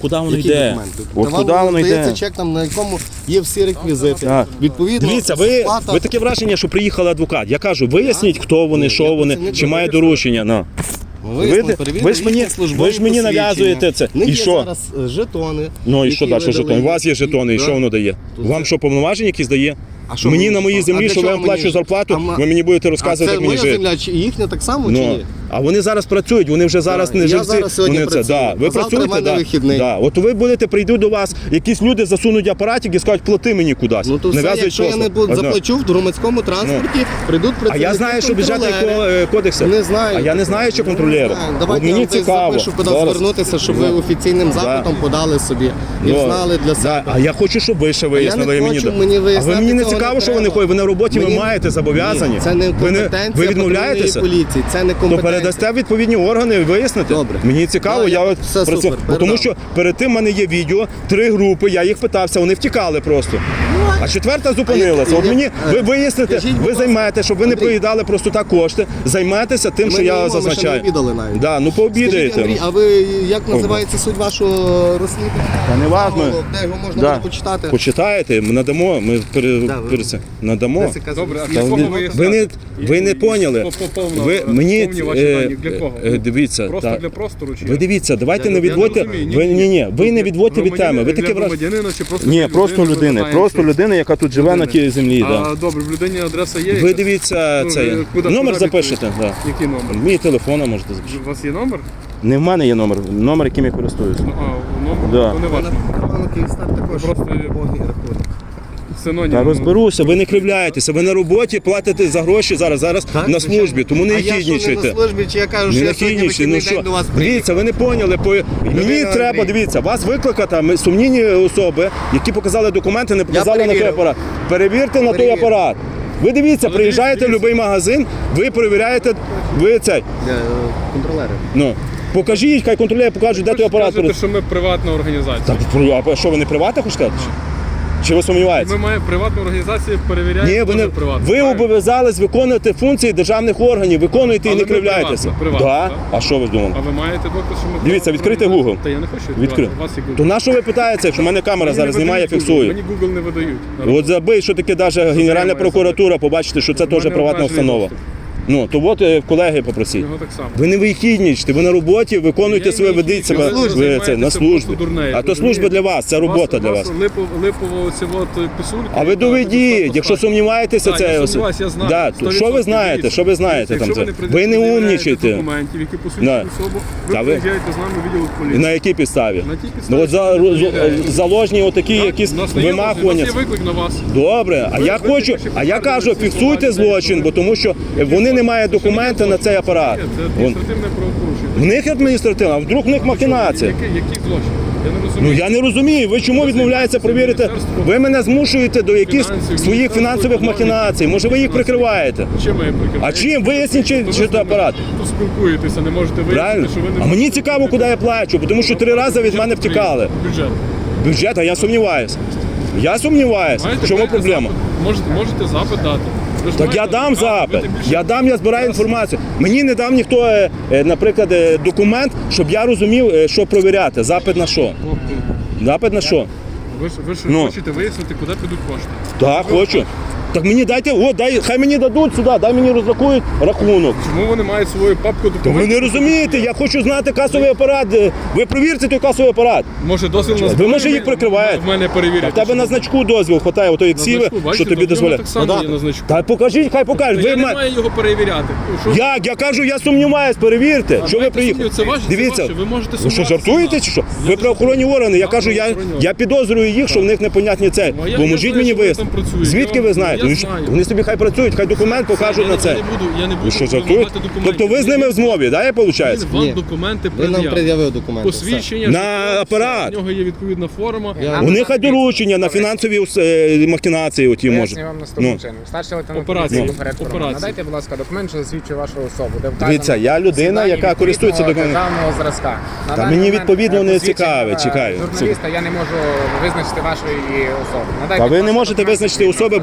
Speaker 2: куди воно
Speaker 1: Які
Speaker 2: йде?
Speaker 1: документи?
Speaker 2: От
Speaker 1: Вам
Speaker 2: куди воно
Speaker 1: здається
Speaker 2: йде?
Speaker 1: чек, там, на якому є всі реквізити.
Speaker 2: Так.
Speaker 1: Відповідно,
Speaker 2: Дивіться, ви,
Speaker 1: сплата-
Speaker 2: ви таке враження, що приїхав адвокат. Я кажу, виясніть, хто вони, що
Speaker 1: я
Speaker 2: вони,
Speaker 1: працівник
Speaker 2: чи має
Speaker 1: Дорожнього
Speaker 2: доручення. Ну.
Speaker 1: Вияснили,
Speaker 2: Ви-
Speaker 1: перевірили
Speaker 2: ви ж мені-
Speaker 1: їхні службові
Speaker 2: ви ж мені
Speaker 1: посвідчення.
Speaker 2: нав'язуєте це.
Speaker 1: В них
Speaker 2: І
Speaker 1: є
Speaker 2: що?
Speaker 1: зараз е, жетони.
Speaker 2: Ну і
Speaker 1: які
Speaker 2: що далі
Speaker 1: видали
Speaker 2: жетони? У вас є
Speaker 1: їм.
Speaker 2: жетони, і
Speaker 1: Да.
Speaker 2: що воно дає?
Speaker 1: То
Speaker 2: Вам
Speaker 1: це-
Speaker 2: що, повноваження якісь дає?
Speaker 1: А що
Speaker 2: Мені
Speaker 1: ви-
Speaker 2: на моїй
Speaker 1: а
Speaker 2: землі,
Speaker 1: для
Speaker 2: що я
Speaker 1: чого
Speaker 2: вам плачу
Speaker 1: мені-
Speaker 2: зарплату,
Speaker 1: А ма-
Speaker 2: ви мені будете
Speaker 1: А
Speaker 2: розказувати,
Speaker 1: це
Speaker 2: як мені
Speaker 1: моя
Speaker 2: жити.
Speaker 1: земля, чи їхня так само, чи
Speaker 2: Ну,
Speaker 1: ні?
Speaker 2: а вони зараз працюють, вони вже зараз не
Speaker 1: я
Speaker 2: живці.
Speaker 1: зараз сьогодні
Speaker 2: вони це,
Speaker 1: працюю,
Speaker 2: да. Ви
Speaker 1: а завтра
Speaker 2: працюєте,
Speaker 1: в мене
Speaker 2: да.
Speaker 1: вихідний.
Speaker 2: Да. От ви будете, прийдуть до вас, якісь люди засунуть апаратик і скажуть, плати мені кудись.
Speaker 1: Ну то все,
Speaker 2: Нав'язують
Speaker 1: якщо я
Speaker 2: просто.
Speaker 1: не буду,
Speaker 2: Одно.
Speaker 1: заплачу в громадському транспорті, прийдуть
Speaker 2: А
Speaker 1: працівники
Speaker 2: я знаю, що бюджетний
Speaker 1: контролери.
Speaker 2: ко- кодекс.
Speaker 1: Не знаю.
Speaker 2: А я не знаю, що
Speaker 1: Не
Speaker 2: контролери.
Speaker 1: знаю.
Speaker 2: От
Speaker 1: Давайте
Speaker 2: мені
Speaker 1: я вам десь
Speaker 2: цікаво.
Speaker 1: запишу, куди
Speaker 2: Зараз.
Speaker 1: звернутися, щоб ви офіційним запитом подали собі і
Speaker 2: Ну,
Speaker 1: знали для
Speaker 2: да.
Speaker 1: себе.
Speaker 2: А я хочу, щоб ви ще вияснили.
Speaker 1: не
Speaker 2: і мені
Speaker 1: хочу,
Speaker 2: да-
Speaker 1: мені
Speaker 2: а ви
Speaker 1: виясняти
Speaker 2: мені не
Speaker 1: цього
Speaker 2: цікаво,
Speaker 1: не
Speaker 2: що вони
Speaker 1: треба.
Speaker 2: ходять. Ви на роботі ви
Speaker 1: Мені-
Speaker 2: маєте зобов'язані.
Speaker 1: Ні, це не
Speaker 2: ви, не,
Speaker 1: компетенція
Speaker 2: ви відмовляєтеся?
Speaker 1: патрульної поліції, це не
Speaker 2: То
Speaker 1: компетенція.
Speaker 2: передасте відповідні органи і виясните.
Speaker 1: Добре.
Speaker 2: Мені цікаво,
Speaker 1: Да,
Speaker 2: я
Speaker 1: я-
Speaker 2: от
Speaker 1: все
Speaker 2: про це-
Speaker 1: супер,
Speaker 2: Бо тому
Speaker 1: передам.
Speaker 2: що перед тим в мене є відео, три групи, я їх питався, вони втікали просто. А четверта зупинилася.
Speaker 1: А
Speaker 2: От
Speaker 1: я-
Speaker 2: мені
Speaker 1: е,
Speaker 2: ви виясните,
Speaker 1: скажіть, будь
Speaker 2: ви
Speaker 1: ласка,
Speaker 2: займаєте, щоб ви не
Speaker 1: Андрій.
Speaker 2: проїдали просто так кошти, займайтеся тим,
Speaker 1: Ми
Speaker 2: що
Speaker 1: не
Speaker 2: я
Speaker 1: їмо, ми ще
Speaker 2: зазначаю.
Speaker 1: не обідали навіть.
Speaker 2: Да, ну
Speaker 1: Скажіть,
Speaker 2: пообідаєте.
Speaker 1: Андрій, а ви як називається суть вашого розслідування?
Speaker 2: Та не важно.
Speaker 1: Де його можна
Speaker 2: Да.
Speaker 1: буде почитати?
Speaker 2: Почитаєте, ми надамо, ми пере,
Speaker 1: Да, ви-
Speaker 2: пере, це, надамо.
Speaker 1: Десь якась
Speaker 4: Добре, а
Speaker 1: розслідування.
Speaker 4: для
Speaker 2: Та
Speaker 4: кого
Speaker 2: ви,
Speaker 4: ви
Speaker 2: ви, не, ви не поняли.
Speaker 4: По- по- повно,
Speaker 2: Ви, мені,
Speaker 4: повні ваші
Speaker 2: е,
Speaker 4: дані. Для кого?
Speaker 2: е, дивіться,
Speaker 4: Просто
Speaker 2: та-
Speaker 4: для простору чи
Speaker 2: ви
Speaker 4: як?
Speaker 2: дивіться, давайте
Speaker 4: Я-
Speaker 2: не
Speaker 4: я не
Speaker 2: відводьте.
Speaker 4: розумію,
Speaker 2: Ви,
Speaker 4: ні,
Speaker 2: ні, ні, ви не
Speaker 4: Для
Speaker 2: відводьте від теми. Ви
Speaker 4: для
Speaker 2: таке враження.
Speaker 4: громадянина чи просто
Speaker 2: Ні,
Speaker 4: для
Speaker 2: просто
Speaker 4: людини,
Speaker 2: людини.
Speaker 4: запитаємо,
Speaker 2: Просто
Speaker 4: чи-
Speaker 2: людина, яка тут живе на тій землі.
Speaker 4: А,
Speaker 2: Да.
Speaker 4: добре, в людині адреса є?
Speaker 2: Ви
Speaker 4: якась?
Speaker 2: дивіться
Speaker 4: Ну,
Speaker 2: цей.
Speaker 4: ви куди-
Speaker 2: Номер
Speaker 4: куди
Speaker 2: запишете. Да.
Speaker 4: Який номер?
Speaker 2: Мій телефон можете запишити.
Speaker 4: У вас є номер?
Speaker 2: Не в мене є номер, номер, яким я користуюся.
Speaker 4: Ну, а, номер?
Speaker 2: Да.
Speaker 4: То не ваш номер.
Speaker 1: Напевно, Київстар також
Speaker 4: Просто-
Speaker 1: повний рахунок.
Speaker 4: Синонім.
Speaker 2: Та розберуся, ви не кривляєтеся, ви на роботі платите за гроші зараз, зараз
Speaker 1: Так,
Speaker 2: на
Speaker 1: звичайно.
Speaker 2: службі, тому не
Speaker 1: А я що, не
Speaker 2: хіднічайте.
Speaker 1: на службі, чи я кажу,
Speaker 2: Не
Speaker 1: що я сьогодні
Speaker 2: нахіднічайте, ну
Speaker 1: вихідний
Speaker 2: що?
Speaker 1: день до вас приїхав?
Speaker 2: Дивіться, ви не поняли. По... Мені
Speaker 1: Людина
Speaker 2: треба,
Speaker 1: Андрій.
Speaker 2: дивіться, вас викликати ми- сумнівні особи, які показали документи, не показали на той
Speaker 1: перевірив.
Speaker 2: апарат. Перевірте на той
Speaker 1: Перевірив.
Speaker 2: апарат. Ви дивіться,
Speaker 4: Але
Speaker 2: приїжджаєте в
Speaker 4: дивіться,
Speaker 2: будь-який магазин, ви перевіряєте, ви цей.
Speaker 1: Е, Контролери.
Speaker 2: Ну, покажіть, хай контролює, покажуть, де той апарат.
Speaker 4: Кажете, що ми приватна організація.
Speaker 2: Так, а що, ви не приватна хочете сказати? Чи ви сумніваєтеся?
Speaker 4: Ми маємо приватну організацію, перевіряємо.
Speaker 2: Ні, ви, не,
Speaker 4: теж приватну.
Speaker 2: ви
Speaker 4: Правильно?
Speaker 2: обов'язались виконувати функції державних органів, виконуєте і
Speaker 4: Але
Speaker 2: не
Speaker 4: ми
Speaker 2: кривляєтеся.
Speaker 4: приватна, приватна,
Speaker 2: Да?
Speaker 4: так?
Speaker 2: А що ви думали?
Speaker 4: А ви маєте доказ, що ми
Speaker 2: Дивіться,
Speaker 4: приватна
Speaker 2: відкрийте
Speaker 4: організація?
Speaker 2: Google.
Speaker 4: Та я не хочу
Speaker 2: Відкрити.
Speaker 4: відкривати. У вас є Google.
Speaker 2: То на що ви питаєте, якщо в мене камера
Speaker 4: Мені
Speaker 2: зараз
Speaker 4: не
Speaker 2: знімає,
Speaker 4: видають Google.
Speaker 2: фіксує?
Speaker 4: Мені Google не видають.
Speaker 2: От забий, що таке навіть Генеральна
Speaker 4: має
Speaker 2: прокуратура, побачите, що це
Speaker 4: В мене
Speaker 2: теж приватна
Speaker 4: обмежений
Speaker 2: установа.
Speaker 4: доступ.
Speaker 2: Ну, то от е, колеги попросіть.
Speaker 4: Його так само.
Speaker 2: Ви не вихіднічте, ви на роботі, виконуєте
Speaker 4: Я
Speaker 2: своє,
Speaker 4: не
Speaker 2: ведіть
Speaker 4: вихідничаю,
Speaker 2: себе
Speaker 4: ви
Speaker 2: ви,
Speaker 4: займаєтеся
Speaker 2: це, на
Speaker 4: просто
Speaker 2: службі.
Speaker 4: дурнею,
Speaker 2: А то служба
Speaker 4: розумієте?
Speaker 2: для вас, це робота для вас.
Speaker 4: Липово, липово ці от писульки.
Speaker 2: А ви доведіть, якщо сумніваєтеся,
Speaker 4: Так,
Speaker 2: це
Speaker 4: я
Speaker 2: ось-
Speaker 4: сумніваюся, я знаю.
Speaker 2: Да,
Speaker 4: сто
Speaker 2: то що ви
Speaker 4: відсотків
Speaker 2: знаєте?
Speaker 4: дивіться.
Speaker 2: Що ви знаєте
Speaker 4: Якщо
Speaker 2: там
Speaker 4: ви
Speaker 2: це?
Speaker 4: не
Speaker 2: Ви не
Speaker 4: пред'являєте
Speaker 2: умнічайте.
Speaker 4: документів, які
Speaker 2: Да.
Speaker 4: посвідчують особу, ви
Speaker 2: Та ви-
Speaker 4: приїжджаєте з нами в відділ поліції.
Speaker 2: На якій підставі?
Speaker 4: На тій підставі,
Speaker 2: Ну от за,
Speaker 4: що ви
Speaker 2: з-
Speaker 4: перевіряєте.
Speaker 2: заложні отакі
Speaker 4: Так,
Speaker 2: якісь
Speaker 4: у нас не є розгляд,
Speaker 2: вимахування.
Speaker 4: У нас є виклик на вас.
Speaker 2: Добре, а
Speaker 4: Ви-
Speaker 2: я
Speaker 4: ви
Speaker 2: хочу,
Speaker 4: тільки що
Speaker 2: а я кажу,
Speaker 4: підтвердили ці
Speaker 2: фіксуйте
Speaker 4: слова,
Speaker 2: злочин,
Speaker 4: що
Speaker 2: бо тому що вони не мають документи на цей апарат.
Speaker 4: Це
Speaker 2: Вон.
Speaker 4: адміністративне правопорушення.
Speaker 2: В них адміністративна, а вдруг в них махінація.
Speaker 4: Який, який злочин? Я не
Speaker 2: Ну
Speaker 4: розумію.
Speaker 2: я не розумію, ви чому відмовляєтеся провірити? Ви мене змушуєте до якихось
Speaker 4: Фінансів,
Speaker 2: своїх
Speaker 4: Міністерство
Speaker 2: фінансових
Speaker 4: економіки.
Speaker 2: махінацій. Може ви їх прикриваєте?
Speaker 4: Чим ви прикриваєте?
Speaker 2: А чим? Виясніть, чи,
Speaker 4: Ви
Speaker 2: чи
Speaker 4: з
Speaker 2: це
Speaker 4: ними
Speaker 2: апарат.
Speaker 4: Тут спілкуєтеся, не можете
Speaker 2: Правильно?
Speaker 4: вияснити, що ви не
Speaker 2: А мені
Speaker 4: можете
Speaker 2: цікаво, куди я плачу, тому що три рази від мене втікали.
Speaker 4: Бюджет.
Speaker 2: Бюджет, а я сумніваюся. Я сумніваюся.
Speaker 4: Маєте
Speaker 2: В чому
Speaker 4: маєте
Speaker 2: проблема?
Speaker 4: запит? Можете, можете запит дати. Ви ж
Speaker 2: Так я
Speaker 4: маєте
Speaker 2: дам
Speaker 4: право, ви
Speaker 2: запит.
Speaker 4: тим більше-
Speaker 2: Я дам, я збираю інформацію. Мені не дав ніхто, е, е, наприклад, е, документ, щоб я розумів, е, що провіряти. Запит на що?
Speaker 4: Хлопці,
Speaker 2: Запит на що?
Speaker 4: Ви ж, ви ж
Speaker 2: Ну.
Speaker 4: хочете вияснити, куди підуть кошти.
Speaker 2: Так, хочу. Так мені дайте, о, дай, хай мені дадуть сюди, дай мені розрахують рахунок.
Speaker 4: Чому вони мають свою папку
Speaker 2: То
Speaker 4: документів?
Speaker 2: ви не розумієте, я хочу знати касовий апарат. е, Ви провірте той касовий апарат.
Speaker 4: Може дозвіл на
Speaker 2: Ви,
Speaker 4: зброю
Speaker 2: може, їх
Speaker 4: в-
Speaker 2: прикриваєте?
Speaker 4: В мене
Speaker 2: А
Speaker 4: перевірять.
Speaker 2: в тебе на значку дозвіл хватає, ото як
Speaker 4: На
Speaker 2: сіве,
Speaker 4: значку,
Speaker 2: що
Speaker 4: бачите,
Speaker 2: тобі
Speaker 4: то в нього
Speaker 2: дозволяє.
Speaker 4: так само
Speaker 2: Ну, да.
Speaker 4: є на значку.
Speaker 2: Та покажіть, хай покажуть.
Speaker 4: Я
Speaker 2: Ви
Speaker 4: не
Speaker 2: ма-
Speaker 4: маю його перевіряти. Що-
Speaker 2: Як? Я кажу, я сумніваюсь, перевірте. Що ви
Speaker 4: Знаєте,
Speaker 2: приїхали?
Speaker 4: це ваше, це
Speaker 2: Дивіться,
Speaker 4: ваше, ви можете
Speaker 2: ви що,
Speaker 4: сумніватися.
Speaker 2: жартуєте чи що?
Speaker 4: Я
Speaker 2: Ви
Speaker 4: не
Speaker 2: правоохоронні органи. Я
Speaker 4: Так,
Speaker 2: кажу, я,
Speaker 4: правоохоронні
Speaker 2: я підозрюю їх, що в них непонятні цей.
Speaker 4: Ну, а я- я
Speaker 2: Поможіть
Speaker 4: знаю,
Speaker 2: мені
Speaker 4: що вони
Speaker 2: вияснити.
Speaker 4: там працюють.
Speaker 2: Звідки
Speaker 4: Я-
Speaker 2: ви знаєте?
Speaker 4: я
Speaker 2: Ну, що-
Speaker 4: знаю.
Speaker 2: Вони собі хай працюють, хай документ покажуть
Speaker 4: Я
Speaker 2: на
Speaker 4: не-
Speaker 2: це.
Speaker 4: Я не буду, я не буду
Speaker 2: Ви що, жартуєте?
Speaker 4: вимагати документів.
Speaker 2: Тобто ви з ними в змові, да, я виходить?
Speaker 4: Він вам
Speaker 1: Ні.
Speaker 4: документи
Speaker 1: Ви нам
Speaker 4: пред'явив.
Speaker 1: пред'явив документи. все.
Speaker 4: Посвідчення.
Speaker 2: На
Speaker 4: що
Speaker 2: апарат.
Speaker 4: У нього є відповідна форма.
Speaker 1: Я-
Speaker 2: У них хай доручення на фінансові е, махінації оті може.
Speaker 5: Пояснюю вам наступним
Speaker 2: Ну.
Speaker 5: чином. Старший лейтенант
Speaker 4: Операція.
Speaker 5: поліції Ферет Форман.
Speaker 4: Операція.
Speaker 5: Надайте, будь ласка, документ, що засвідчує вашу особу. Де вказано
Speaker 2: Дивіться, я людина,
Speaker 5: всі дані
Speaker 2: яка
Speaker 5: відповідного
Speaker 2: користується документом.
Speaker 5: державного зразка. На
Speaker 2: Та
Speaker 5: даний
Speaker 2: мені
Speaker 5: момент,
Speaker 2: відповідно
Speaker 5: е,
Speaker 2: не
Speaker 5: посвідчення,
Speaker 2: цікаве,
Speaker 5: е,
Speaker 2: чекаю.
Speaker 5: Журналіста я не можу визначити вашої особи. Надайте,
Speaker 2: Та ви
Speaker 5: будь
Speaker 2: не
Speaker 5: ласка,
Speaker 2: можете
Speaker 5: документ
Speaker 2: визначити
Speaker 5: відповідного
Speaker 2: особи, бо перед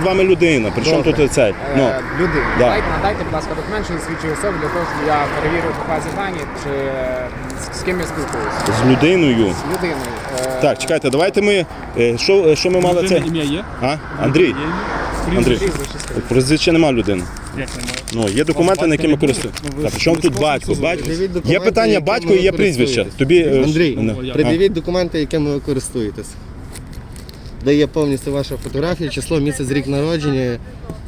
Speaker 2: вами людина. Причому
Speaker 1: Добре.
Speaker 2: тут цей? Ну,
Speaker 5: Е, Людина.
Speaker 2: Да.
Speaker 5: Надайте, надайте, будь ласка, документ, що засвідчує особу для того, щоб я перевірив по базі дані, чи е, з, з ким я спілкуюся.
Speaker 2: з людиною.
Speaker 5: З людиною. Е,
Speaker 2: Так, чекайте, давайте ми. е, Що, що ми мали це?
Speaker 4: Людина ім'я є?
Speaker 2: А? Андрій.
Speaker 4: Є ім'я?
Speaker 2: Андрій.
Speaker 5: прізвище скажіть.
Speaker 2: Прізвища нема людини.
Speaker 4: Як немає?
Speaker 2: Ну, є документи, на які ми користуємося. Та при чому тут батько? Батько.
Speaker 1: Пред'явіть документи,
Speaker 2: Є питання
Speaker 1: якими
Speaker 2: батько і є
Speaker 1: ви
Speaker 2: прізвище.
Speaker 1: користуєтесь.
Speaker 2: Тобі. е,
Speaker 1: Андрій,
Speaker 2: ну,
Speaker 4: я-
Speaker 1: пред'явіть документи, якими ви користуєтесь. Де є повністю ваша фотографія, число, місяць, рік народження.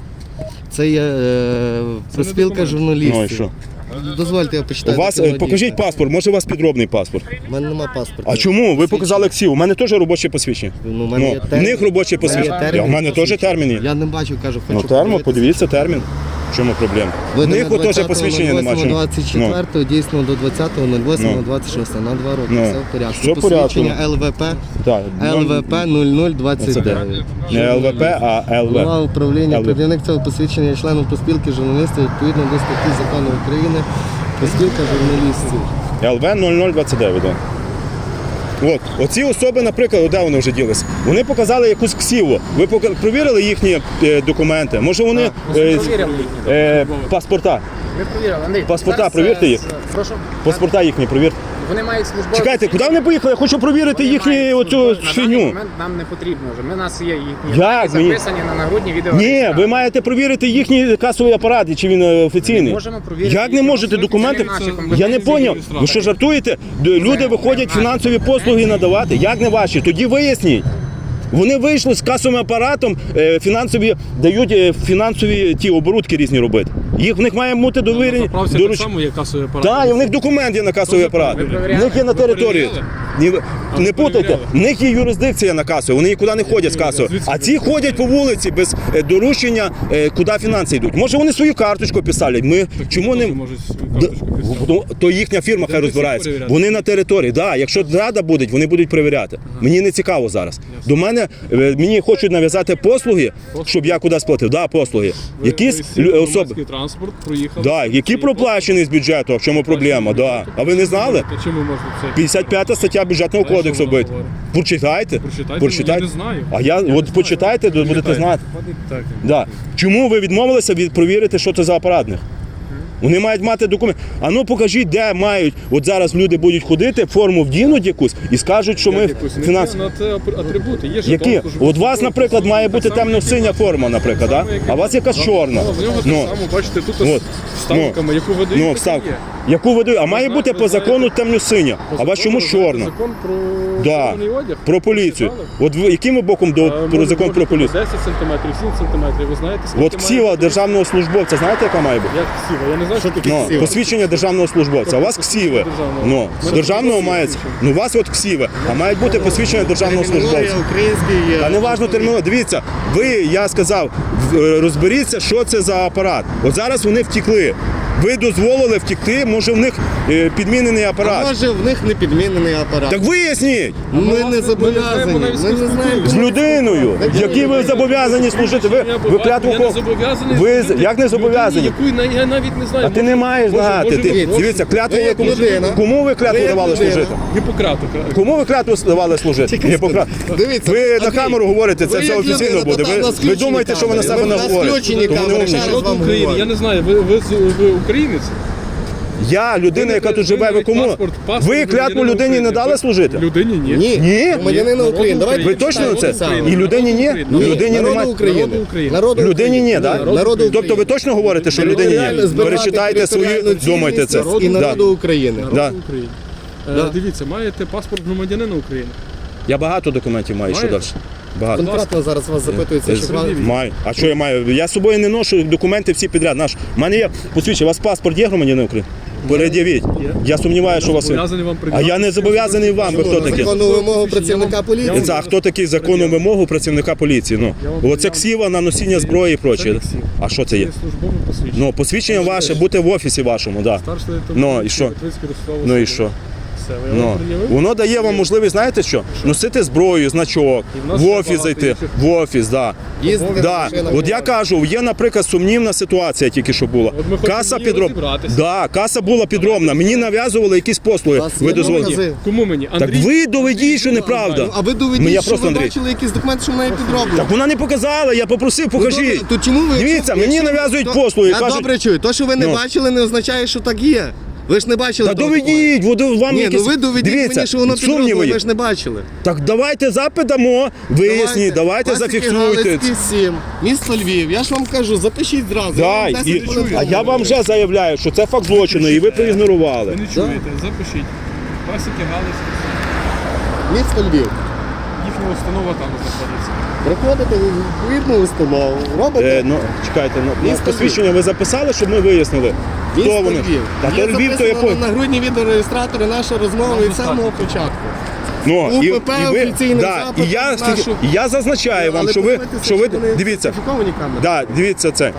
Speaker 1: Це є е, проспілка
Speaker 4: документ.
Speaker 2: Ну і
Speaker 1: журналістів.
Speaker 2: що?
Speaker 1: Дозвольте, я
Speaker 2: У
Speaker 1: почитаю.
Speaker 2: вас, е, покажіть паспорт, може у вас підробний паспорт.
Speaker 1: У мене немає паспорта.
Speaker 2: А чому? Ви показали КСІ, у мене теж робоче посвідчення.
Speaker 1: Ну, у мене є
Speaker 2: Ну, в
Speaker 1: термін.
Speaker 2: них робоче
Speaker 1: У мене є
Speaker 2: посвідчення.
Speaker 1: термін
Speaker 2: А в мене теж
Speaker 1: посвідчення.
Speaker 2: термін є.
Speaker 1: Я не бачу, кажу, хочу
Speaker 2: Ну, термо,
Speaker 1: подивитися.
Speaker 2: подивіться термін. В чому проблема? В
Speaker 1: Видано
Speaker 2: них от теж посвідчення немає. чому?
Speaker 1: двадцять четвертого, дійсно до двадцятого восьмого двадцять шостого, на два роки,
Speaker 2: Ну.
Speaker 1: все в порядку.
Speaker 2: Все в порядку.
Speaker 1: Посвідчення Л В П,
Speaker 2: Так,
Speaker 1: Л В П нуль нуль двадцять дев'ять.
Speaker 2: не Л В П, а
Speaker 1: Голова
Speaker 2: Л В.
Speaker 1: управління,
Speaker 2: Л В.
Speaker 1: керівник цього посвідчення є членом проспілки журналістів відповідно до статті Закону України проспілка журналістів.
Speaker 2: Л В нуль нуль двадцять дев'ять, так. От, оці особи, наприклад, де вони вже ділися? Вони показали якусь ксіву. Ви пока- провірили їхні е, документи? Може вони е,
Speaker 5: Провірили їхні.
Speaker 2: е, паспорта?
Speaker 5: Ви провірили, Андрій.
Speaker 2: Паспорта,
Speaker 5: зараз,
Speaker 2: провірте
Speaker 5: е,
Speaker 2: їх.
Speaker 5: з- Прошу.
Speaker 2: Паспорта їхні провірте.
Speaker 5: Вони мають службові.
Speaker 2: Чекайте, куди вони поїхали? Я хочу провірити
Speaker 5: Вони
Speaker 2: їхню
Speaker 5: мають
Speaker 2: оцю
Speaker 5: службові. На даний
Speaker 2: фігню.
Speaker 5: момент нам не потрібно вже. Ми, у нас є їхні
Speaker 2: Як
Speaker 5: дані
Speaker 2: мені?
Speaker 5: записані на нагрудні відео.
Speaker 2: Ні, ви маєте провірити їхній касовий апарат, чи він е, офіційний.
Speaker 5: Можемо провірити
Speaker 2: Як не
Speaker 5: їхні
Speaker 2: можете
Speaker 5: документи?
Speaker 2: документи?
Speaker 5: Це наші
Speaker 2: Я не
Speaker 5: компетенції
Speaker 2: поняв. Ви що жартуєте? Д- Люди виходять фінансові послуги надавати. Як не ваші? Тоді виясніть. Вони вийшли з касовим апаратом, е, фінансові дають е, фінансові ті оборудки різні робити. Їх в них має бути довірені.
Speaker 4: Заправці так
Speaker 2: доруч-
Speaker 4: само є касовий апарат.
Speaker 2: Так, і в них документ є на касовий апарат. В них є на території. Ні, ви-
Speaker 4: ви
Speaker 2: Не путайте,
Speaker 4: перевіряли?
Speaker 2: в них є юрисдикція на касу, вони нікуди не ходять з касою.
Speaker 4: Звідси
Speaker 2: А ці ходять по вулиці без е, доручення, е, куди фінанси йдуть. Може вони свою карточку писали. Ми чому не
Speaker 4: Можуть свою
Speaker 2: Д-
Speaker 4: карточку писати.
Speaker 2: Ну, то їхня фірма хай
Speaker 4: Будете
Speaker 2: розбирається.
Speaker 4: всіх перевіряти?
Speaker 2: Вони на території. Да, якщо рада буде, вони будуть перевіряти. Мені не цікаво зараз. До мене е, мені хочуть нав'язати послуги, щоб я кудись платив. Да, послуги.
Speaker 4: Ви-
Speaker 2: Якісь
Speaker 4: ви сіли
Speaker 2: лю-
Speaker 4: в
Speaker 2: особи.
Speaker 4: громадський транспорт, проїхали.
Speaker 2: Да, які проплачені з бюджету, в чому проблема? Да. А ви не знали?
Speaker 4: Та чому можна це?
Speaker 2: п'ятдесят п'ята стаття бюджетного
Speaker 4: Знаєш,
Speaker 2: кодексу
Speaker 4: що вона
Speaker 2: бить.
Speaker 4: говорить?
Speaker 2: Прочитайте.
Speaker 4: Прочитайте, я не знаю.
Speaker 2: А я от почитайте, то будете знати.
Speaker 4: Так.
Speaker 2: Да. Чому ви відмовилися від провірити, що це за апаратник? Вони мають мати документ. А ну покажіть, де мають. От зараз люди будуть ходити, форму вдінуть якусь і скажуть, що ми
Speaker 4: Якусь не
Speaker 2: фінанс.
Speaker 4: те, на це ап- атрибути. Є
Speaker 2: Які?
Speaker 4: жетон, службовий
Speaker 2: От у вас, наприклад, має бути
Speaker 4: так само, як і
Speaker 2: темно-синя
Speaker 4: у вас.
Speaker 2: форма, наприклад, да?
Speaker 4: Так само, як і
Speaker 2: а у вас якась
Speaker 4: Так.
Speaker 2: чорна.
Speaker 4: Ну, в нього
Speaker 2: Ну,
Speaker 4: так само, бачите, тут
Speaker 2: От.
Speaker 4: з вставками, яку ви даєте,
Speaker 2: ну,
Speaker 4: так і
Speaker 2: вставка.
Speaker 4: є.
Speaker 2: Яку ви даєте? А має
Speaker 4: знаєте-
Speaker 2: бути
Speaker 4: ви
Speaker 2: по
Speaker 4: знаєте-
Speaker 2: закону темно-синя. А у вас чому
Speaker 4: Закон,
Speaker 2: чорна?
Speaker 4: Закон про
Speaker 2: Да.
Speaker 4: чорний одяг.
Speaker 2: Про поліцію.
Speaker 4: Читали?
Speaker 2: От ви яким ви боком до
Speaker 4: Е,
Speaker 2: про
Speaker 4: може,
Speaker 2: закон
Speaker 4: може,
Speaker 2: про поліцію?
Speaker 4: десять сантиметрів, сім сантиметрів. Ви знаєте, скільки
Speaker 2: От
Speaker 4: має
Speaker 2: ксіва
Speaker 4: бути?
Speaker 2: державного службовця, знаєте, яка має бути?
Speaker 4: Як ксіва? Я не знаю, що таке
Speaker 2: Ну,
Speaker 4: ксіва.
Speaker 2: посвідчення державного службовця. А у вас ксіви.
Speaker 4: Державного.
Speaker 2: Ну,
Speaker 4: Ми
Speaker 2: з державного
Speaker 4: так
Speaker 2: має.
Speaker 4: пишемо.
Speaker 2: Ну, у вас от ксіви, а мають бути посвідчення державного
Speaker 1: Термінологія
Speaker 2: службовця.
Speaker 1: український.
Speaker 2: Та не важно термінологія. Дивіться, ви, я сказав, в- е, розберіться, що це за апарат. От зараз вони втекли. Ви дозволили втекти, може в них е, підмінений
Speaker 1: А
Speaker 2: апарат.
Speaker 1: може в них не підмінений апарат.
Speaker 2: Так виясніть!
Speaker 1: Ми
Speaker 4: власне,
Speaker 1: не
Speaker 4: ми не
Speaker 1: зобов'язані.
Speaker 4: знаємо навіть,
Speaker 1: Ми не
Speaker 4: скільки
Speaker 1: знаємо.
Speaker 2: З людиною, які ви зобов'язані служити. Ви, ви клятву
Speaker 4: Я не
Speaker 2: ко-
Speaker 4: зобов'язаний.
Speaker 2: Ви
Speaker 4: служити
Speaker 2: як не зобов'язані?
Speaker 4: людині, яку я навіть не знаю.
Speaker 2: А ти не маєш
Speaker 4: Може,
Speaker 2: знати.
Speaker 4: може,
Speaker 2: Ти,
Speaker 4: може,
Speaker 2: дивіться, клятву
Speaker 1: ви як
Speaker 2: кому,
Speaker 1: людина.
Speaker 2: кому ви клятву
Speaker 1: Ви як
Speaker 2: давали
Speaker 1: людина.
Speaker 2: служити?
Speaker 4: Гіппократу.
Speaker 2: Кому ви клятву давали служити? Гіппократ.
Speaker 1: Дивіться,
Speaker 2: Ви на
Speaker 1: Андрій,
Speaker 2: камеру говорите, це
Speaker 1: ви
Speaker 2: все
Speaker 1: як
Speaker 2: офіційно
Speaker 1: людина,
Speaker 2: буде.
Speaker 1: та
Speaker 2: Ви,
Speaker 1: там на
Speaker 2: ви
Speaker 1: включеній
Speaker 2: думаєте, що ви на
Speaker 1: камері.
Speaker 2: себе
Speaker 1: Ви
Speaker 2: не
Speaker 1: на
Speaker 2: говорите?
Speaker 1: включеній
Speaker 2: Тому не
Speaker 1: камері.
Speaker 2: умнічайте.
Speaker 1: Ще раз
Speaker 4: Народ
Speaker 1: вам
Speaker 4: України,
Speaker 1: говорю.
Speaker 4: я не знаю, ви, ви, з- ви українець?
Speaker 2: Я, людина, яка тут живе, ви кому?
Speaker 4: Паспорт, паспорт
Speaker 2: Ви клятву
Speaker 4: громадянина
Speaker 2: людині не
Speaker 4: України.
Speaker 2: дали служити?
Speaker 4: Людині ні.
Speaker 1: Ні.
Speaker 2: Ні?
Speaker 1: Громадянина
Speaker 4: Ні.
Speaker 1: України. Давайте
Speaker 2: Ви точно на це?
Speaker 1: почитаємо.
Speaker 2: І людині ні?
Speaker 4: Ні.
Speaker 2: Людині
Speaker 1: Народу
Speaker 2: немає.
Speaker 1: України.
Speaker 4: Народу України.
Speaker 1: Народу
Speaker 2: Людині ні,
Speaker 1: України.
Speaker 2: так?
Speaker 1: Народу України.
Speaker 2: Тобто ви точно говорите, що людині
Speaker 1: Територіально
Speaker 2: ні?
Speaker 1: збирати
Speaker 2: Перечитайте свої,
Speaker 1: територіальну
Speaker 2: думайте це.
Speaker 1: цілісність І
Speaker 2: Да.
Speaker 1: народу України.
Speaker 4: Народу
Speaker 2: Да.
Speaker 4: України. Е,
Speaker 1: Да.
Speaker 4: Дивіться, маєте паспорт громадянина України.
Speaker 2: Я багато документів маю, що
Speaker 4: Маєте?
Speaker 2: далі? Багато.
Speaker 1: Конкретно зараз вас запитується, чи вам...
Speaker 2: Маю. А що я маю? Я з собою не ношу документи всі підряд. Наш. У мене є посвідчення. У вас паспорт є громадянина України? Перед'явіть.
Speaker 4: Є.
Speaker 2: Я сумніваюся, що у вас є.
Speaker 4: Зобов'язаний вам
Speaker 2: А
Speaker 4: придбати.
Speaker 2: я не зобов'язаний вам. Ви хто такі?
Speaker 1: Законну вимогу працівника поліції.
Speaker 2: Це, а хто такий законну вимогу працівника поліції? Ну,
Speaker 4: Я вам-
Speaker 2: оце ксіва на носіння зброї і
Speaker 4: Це
Speaker 2: прочее.
Speaker 4: не ксіва.
Speaker 2: А що це є?
Speaker 4: Це службове посвідчення.
Speaker 2: Ну, посвідчення ваше, бути в офісі вашому, да.
Speaker 4: Старший лейтенант
Speaker 2: Ну, і що?
Speaker 4: Литвицький Ростов
Speaker 2: Ну і
Speaker 4: Васильович.
Speaker 2: що?
Speaker 4: все. Я
Speaker 2: Ну,
Speaker 4: вам пред'явив?
Speaker 2: воно дає вам можливість, знаєте що? Носити зброю, значок,
Speaker 4: І в нас
Speaker 2: в
Speaker 4: ще
Speaker 2: офіс
Speaker 4: багато
Speaker 2: зайти,
Speaker 4: інших.
Speaker 2: в офіс, да.
Speaker 1: Їздити
Speaker 2: Да.
Speaker 1: машина
Speaker 2: От я
Speaker 1: була.
Speaker 2: кажу, є, наприклад, сумнівна ситуація тільки що була.
Speaker 4: От ми хочемо
Speaker 2: Каса
Speaker 4: в ній
Speaker 2: підроб...
Speaker 4: розібратися.
Speaker 2: Да, каса була підробна. Мені нав'язували якісь послуги.
Speaker 1: У вас
Speaker 2: Ви
Speaker 1: є
Speaker 2: дозволите?
Speaker 1: докази?
Speaker 4: Кому мені?
Speaker 2: Так
Speaker 4: Андрій?
Speaker 2: ви доведіть, що неправда.
Speaker 1: Ну, а ви доведіть,
Speaker 2: Ну, я
Speaker 1: що
Speaker 2: просто,
Speaker 1: ви
Speaker 2: Андрій.
Speaker 1: бачили якісь документи, що в неї підроблено.
Speaker 2: Так вона не показала, я попросив, покажіть.
Speaker 1: добре, то чому ви-
Speaker 2: Дивіться,
Speaker 1: якщо-
Speaker 2: мені
Speaker 1: якщо-
Speaker 2: нав'язують
Speaker 1: то-
Speaker 2: послуги.
Speaker 1: Я
Speaker 2: Кажуть,
Speaker 1: добре чую. То, що ви не
Speaker 2: Ну.
Speaker 1: бачили, не означає, що так є. Ви ж не бачили.
Speaker 2: та
Speaker 1: того
Speaker 2: доведіть, воно вам
Speaker 1: документу. Ні,
Speaker 2: якісь...
Speaker 1: ну ви доведіть
Speaker 2: Дивіться,
Speaker 1: мені, що воно
Speaker 2: сумніви
Speaker 1: підроблено,
Speaker 2: є.
Speaker 1: ви ж не бачили.
Speaker 2: Так давайте запит дамо, виясніть, давайте
Speaker 1: Пасіки
Speaker 2: зафіксуйте.
Speaker 1: Галицькі, сім, місто Львів. Я ж вам кажу, запишіть зразу.
Speaker 2: Да,
Speaker 1: Я вам
Speaker 2: і,
Speaker 1: десять хвилин
Speaker 2: а я
Speaker 1: тому.
Speaker 2: вам вже заявляю, що це факт злочину, і ви проігнорували.
Speaker 4: Ви не чуєте, запишіть. Пасіки Галицькі,
Speaker 1: Місто Львів.
Speaker 4: їхня установа там знаходиться.
Speaker 1: Приходите в відповідну установу, робите.
Speaker 2: Е, ну, чекайте, ну, ну,
Speaker 1: Місто
Speaker 2: посвідчення ви записали, щоб ми вияснили, хто
Speaker 1: Місто
Speaker 2: вони.
Speaker 1: Львів.
Speaker 2: Та
Speaker 1: Є
Speaker 2: то Львів, то я
Speaker 1: записано
Speaker 2: по...
Speaker 1: на грудні відеореєстратори наша розмова від самого початку.
Speaker 2: Ну,
Speaker 1: УПП офіційний
Speaker 2: да,
Speaker 1: запит
Speaker 2: і я,
Speaker 1: на нашу-
Speaker 2: і я зазначаю вам,
Speaker 1: Але
Speaker 2: що ви,
Speaker 1: подивитися,
Speaker 2: що ви,
Speaker 1: чи вони
Speaker 2: дивіться,
Speaker 1: сертифіковані камери.
Speaker 2: да, дивіться це.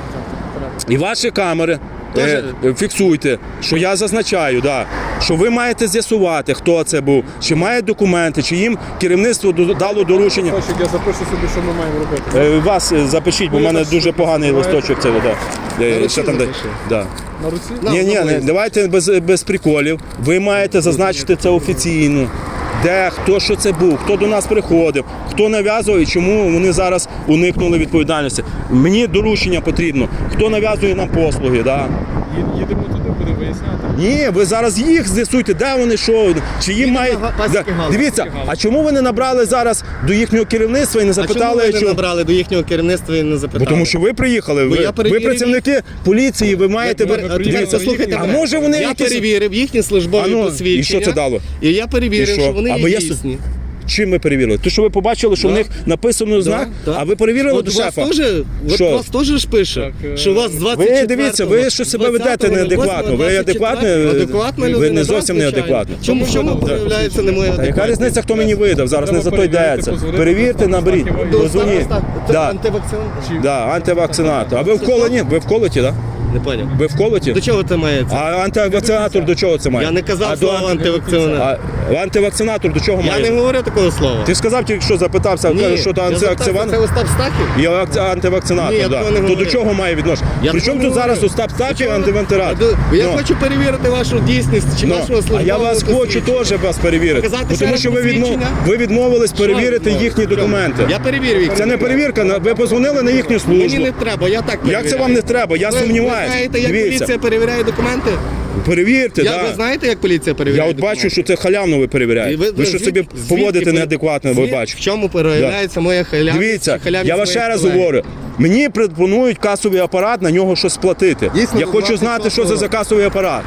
Speaker 2: І ваші камери
Speaker 1: Тоже-
Speaker 2: е, фіксуйте, що я зазначаю, да, що ви маєте з'ясувати, хто це був, чи має документи, чи їм керівництво до- дало доручення.
Speaker 4: Листочок я запишу собі, що ми маємо робити.
Speaker 2: Е, Вас е, запишіть, бо в мене дуже поганий листочок. Це, да. Е,
Speaker 1: руці
Speaker 2: що там, де-
Speaker 1: запиши.
Speaker 2: да.
Speaker 4: На руці?
Speaker 1: На,
Speaker 2: Ні, ні,
Speaker 1: на
Speaker 2: не,
Speaker 1: виїзд.
Speaker 2: давайте без, без приколів. Ви маєте зазначити це офіційно. Де, хто що це був, хто до нас приходив, хто нав'язував і чому вони зараз уникнули відповідальності. Мені доручення потрібно, хто нав'язує нам послуги. Да?
Speaker 4: Ї- Їдемо туди, будемо виясняти.
Speaker 2: Ні, ви зараз їх з'ясуйте, де вони, що, чи їм
Speaker 1: Їдемо
Speaker 2: мають.
Speaker 1: на Пасіки
Speaker 2: Да.
Speaker 1: Галицькі.
Speaker 2: Дивіться, а чому ви не набрали зараз до їхнього керівництва і не
Speaker 1: А чому
Speaker 2: запитали,
Speaker 1: ви не
Speaker 2: що.
Speaker 1: набрали до їхнього керівництва і не
Speaker 2: Бо
Speaker 1: запитали?
Speaker 2: тому що ви приїхали,
Speaker 1: Бо
Speaker 2: ви,
Speaker 1: я
Speaker 2: ви
Speaker 1: перевірив
Speaker 2: працівники поліції, ви маєте.
Speaker 1: Я
Speaker 2: ви-
Speaker 1: пере-
Speaker 2: Дивіться,
Speaker 1: Тепер послухайте
Speaker 2: а
Speaker 1: мене.
Speaker 2: може вони
Speaker 1: Я
Speaker 2: якісь.
Speaker 1: перевірив їхні службові
Speaker 2: А ну,
Speaker 1: посвідчення.
Speaker 2: і що це дало?
Speaker 1: І я перевірив,
Speaker 2: І що?
Speaker 1: що вони
Speaker 2: Або
Speaker 1: є
Speaker 2: я с-
Speaker 1: дійсні.
Speaker 2: Чим ми перевірили? То, що ви побачили, що
Speaker 1: Да.
Speaker 2: в них написано знак,
Speaker 1: Да, да.
Speaker 2: а ви перевірили
Speaker 1: От
Speaker 2: до
Speaker 1: у вас
Speaker 2: шефа.
Speaker 1: теж, от
Speaker 2: Що?
Speaker 1: у вас теж ж пише,
Speaker 4: Так, е,
Speaker 1: що у вас з двадцять четвертого.
Speaker 2: Ви дивіться, ви що себе ведете неадекватно. Ви адекватно?
Speaker 1: Адекватна
Speaker 2: Ви
Speaker 1: людина,
Speaker 2: не
Speaker 1: да,
Speaker 2: зовсім
Speaker 1: звичайно.
Speaker 2: неадекватно.
Speaker 1: Чому, в чому
Speaker 2: Да.
Speaker 1: проявляється не моя
Speaker 2: Та яка
Speaker 1: адекватність?
Speaker 2: різниця, хто мені видав? Зараз не за то
Speaker 4: Треба
Speaker 2: йдеться.
Speaker 4: перевірити,
Speaker 2: Перевірте,
Speaker 4: позвонити,
Speaker 2: наберіть,
Speaker 4: поставити
Speaker 1: До
Speaker 2: дозвоніть.
Speaker 1: староста, це
Speaker 2: Да.
Speaker 1: антивакцин?
Speaker 2: Да, антивакцинатор. А ви в колоні? Ви в колоті, так?
Speaker 1: Не поняв.
Speaker 2: Ви в колоті?
Speaker 1: До чого це мається?
Speaker 2: А антивакцинатор до чого це має?
Speaker 1: Я не казав
Speaker 2: а до
Speaker 1: слово
Speaker 2: анти-
Speaker 1: антивакцинатор.
Speaker 2: А антивакцинатор до чого
Speaker 1: Я
Speaker 2: має?
Speaker 1: не говорю такого слова.
Speaker 2: Ти сказав тільки що запитався,
Speaker 1: Ні,
Speaker 2: що то
Speaker 1: я запитався,
Speaker 2: антивакцинатор?
Speaker 1: це Остап Стахів?
Speaker 2: Я акці- антивакцинатор,
Speaker 1: Ні, я
Speaker 2: да.
Speaker 1: такого не
Speaker 2: То до
Speaker 1: говорив.
Speaker 2: чого має відношення?
Speaker 1: Я
Speaker 2: Причому
Speaker 1: такого
Speaker 2: тут
Speaker 1: не
Speaker 2: зараз
Speaker 1: говорив.
Speaker 2: Остап Стахів
Speaker 1: Я
Speaker 2: антивентилятор?
Speaker 1: до- Я
Speaker 2: Ну.
Speaker 1: хочу перевірити вашу дійсність чи
Speaker 2: Ну,
Speaker 1: вашого службового
Speaker 2: а я вас хочу
Speaker 1: посвідчення.
Speaker 2: теж вас перевірити.
Speaker 1: Показати
Speaker 2: Бо
Speaker 1: ще
Speaker 2: тому
Speaker 1: раз
Speaker 2: що ви, відмов...
Speaker 1: посвідчення?
Speaker 2: ви відмовились перевірити
Speaker 1: Що?
Speaker 2: їхні
Speaker 1: Що?
Speaker 2: документи.
Speaker 1: Я перевірю їх.
Speaker 2: Це не перевірка, на- ви позвонили на їхню
Speaker 1: Мені
Speaker 2: службу.
Speaker 1: не треба, я так перевіряю.
Speaker 2: Як це вам не треба? Я
Speaker 1: Ви- Ви
Speaker 2: сумніваюся.
Speaker 1: знаєте, як
Speaker 2: Дивіться,
Speaker 1: поліція перевіряє документи?
Speaker 2: перевірте,
Speaker 1: Я,
Speaker 2: да.
Speaker 1: Ви знаєте, як поліція
Speaker 2: Я
Speaker 1: перевіряє
Speaker 2: от бачу,
Speaker 1: документи?
Speaker 2: що це халявно ви перевіряєте.
Speaker 1: І
Speaker 2: Ви, що
Speaker 1: звід-
Speaker 2: собі
Speaker 1: звідки
Speaker 2: поводите
Speaker 1: ви-
Speaker 2: неадекватно, ви
Speaker 1: звід-
Speaker 2: бачите.
Speaker 1: В чому проявляється моя халявність?
Speaker 2: Дивіться,
Speaker 1: чи халявність
Speaker 2: я вам ще
Speaker 1: моїх
Speaker 2: раз
Speaker 1: колег?
Speaker 2: говорю. Мені пропонують касовий апарат, на нього щось сплатити.
Speaker 1: Дійсно,
Speaker 2: Я
Speaker 1: до
Speaker 2: хочу знати, що це за
Speaker 1: двадцять
Speaker 2: касовий апарат.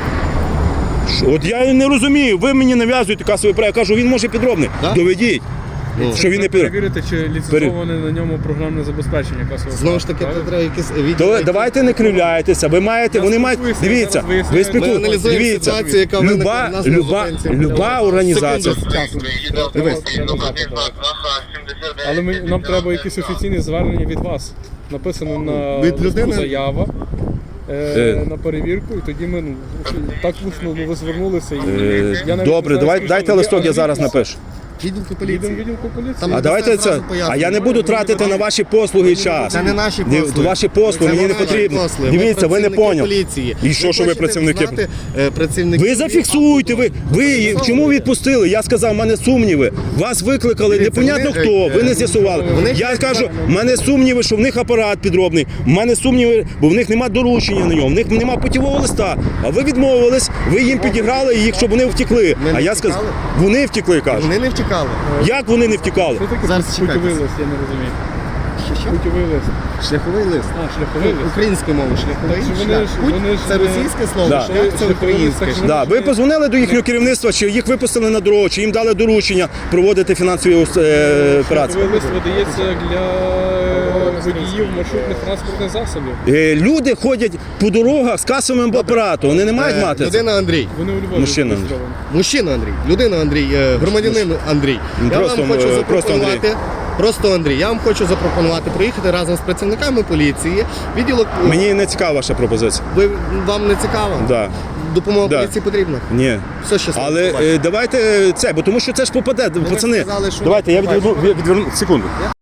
Speaker 2: Що? От я і не розумію, ви мені нав'язуєте касовий апарат. Я кажу, він може підробний.
Speaker 1: Да?
Speaker 2: Доведіть,
Speaker 1: Ну.
Speaker 2: що він не підробний.
Speaker 4: Перевірити, чи ліцензоване на ньому програмне забезпечення касового.
Speaker 1: Знову ж таки,
Speaker 4: апарату,
Speaker 1: це треба якісь відео.
Speaker 2: То
Speaker 1: які-
Speaker 2: давайте не кривляйтеся. Ви маєте,
Speaker 4: Я
Speaker 2: вони мають.
Speaker 4: спілкуюся,
Speaker 2: Дивіться,
Speaker 4: зараз виясняю.
Speaker 2: ви
Speaker 1: Ми
Speaker 2: спілкуєтеся.
Speaker 1: аналізуємо
Speaker 2: Дивіться,
Speaker 1: ситуацію, яка виникла
Speaker 2: люба,
Speaker 1: в нас на
Speaker 2: люба,
Speaker 1: зупинці.
Speaker 2: люба організація.
Speaker 1: Секунду.
Speaker 4: Дивись. Але ми, нам треба якісь офіційні звернення від вас. Написано на
Speaker 1: Від людини?
Speaker 4: листку заява е,
Speaker 2: Е.
Speaker 4: на перевірку, і тоді ми ну, так усно ну, ви звернулися. І,
Speaker 2: Е,
Speaker 4: я навіть
Speaker 2: Добре,
Speaker 4: не знаю,
Speaker 2: давай,
Speaker 4: що
Speaker 2: дайте
Speaker 4: там є,
Speaker 2: листок,
Speaker 4: але
Speaker 2: я зараз
Speaker 4: відповідь.
Speaker 2: напишу.
Speaker 1: Відділку
Speaker 4: Їдемо в
Speaker 1: поліції.
Speaker 4: відділку поліції.
Speaker 1: Там
Speaker 2: А давайте
Speaker 1: зразу
Speaker 2: це.
Speaker 1: поясню.
Speaker 2: А я не буду тратити на ваші послуги час.
Speaker 1: Це не наші
Speaker 2: Ні,
Speaker 1: послуги.
Speaker 2: Ваші послуги
Speaker 1: Це
Speaker 2: мені не
Speaker 1: наші
Speaker 2: потрібно.
Speaker 1: послуги. Ми
Speaker 2: Дивіться, ви не
Speaker 1: працівники
Speaker 2: поняли.
Speaker 1: поліції.
Speaker 2: І що, що ви
Speaker 1: хочете
Speaker 2: працівники?
Speaker 1: знати, е, працівники?
Speaker 2: Ви зафіксуйте, ви, ви чому відпустили? Я сказав, в мене сумніви. Вас викликали,
Speaker 1: Дивіться,
Speaker 2: непонятно
Speaker 1: вони,
Speaker 2: хто,
Speaker 1: е,
Speaker 2: ви не з'ясували.
Speaker 1: вони-
Speaker 2: Я кажу, в мене сумніви, що в них апарат підробний. В мене сумніви, бо в них нема доручення на ньому, в них нема путівого листа. А ви відмовились, ви їм підіграли їх, щоб вони втекли.
Speaker 1: Ми
Speaker 2: А
Speaker 1: не
Speaker 2: я сказав,
Speaker 1: втікали?
Speaker 2: вони втекли, кажуть.
Speaker 1: Вони не втікали.
Speaker 2: Як вони не втікали?
Speaker 4: Що таке
Speaker 1: Зараз
Speaker 4: путівий
Speaker 1: чекайте.
Speaker 4: лист, я не розумію.
Speaker 1: Що?
Speaker 4: Путівий лист.
Speaker 1: Шляховий лист.
Speaker 4: А, шляховий лист.
Speaker 1: Українською мовою шляховий
Speaker 4: Вони
Speaker 1: шлях.
Speaker 4: ж-
Speaker 1: Путь
Speaker 4: вони ж
Speaker 1: це
Speaker 4: не-
Speaker 1: російське слово,
Speaker 2: Да.
Speaker 1: шлях це
Speaker 4: Шляховий
Speaker 1: українське.
Speaker 4: лист, так
Speaker 2: Да, ви позвонили до їхнього керівництва, чи їх випустили на дорогу, чи їм дали доручення проводити фінансові е, операції.
Speaker 4: Шляховий лист видається для водіїв маршрутних транспортних засобів.
Speaker 2: Е, Люди ходять по дорогах з касовим апаратом, вони не мають
Speaker 1: Е,
Speaker 2: мати це.
Speaker 1: Людина Андрій.
Speaker 4: Вони у Львові
Speaker 2: Мужчина.
Speaker 4: зареєстровані.
Speaker 1: Мужчина Андрій, людина Андрій, е, громадянин Андрій. Я
Speaker 2: Просто,
Speaker 1: вам хочу
Speaker 2: е, просто
Speaker 1: запропонувати. Просто Андрій, я вам хочу запропонувати проїхати разом з працівниками поліції. Відділок
Speaker 2: Мені не цікава ваша пропозиція.
Speaker 1: ви вам не цікаво?
Speaker 2: Да.
Speaker 1: допомога
Speaker 2: Да.
Speaker 1: поліції потрібна?
Speaker 2: Ні.
Speaker 1: Все щасливо.
Speaker 2: Але
Speaker 1: побачимо.
Speaker 2: е, давайте це, бо тому що це ж попаде, пацани.
Speaker 1: сказали, що
Speaker 2: Давайте я
Speaker 1: побачимо.
Speaker 2: відверну, відверну секунду.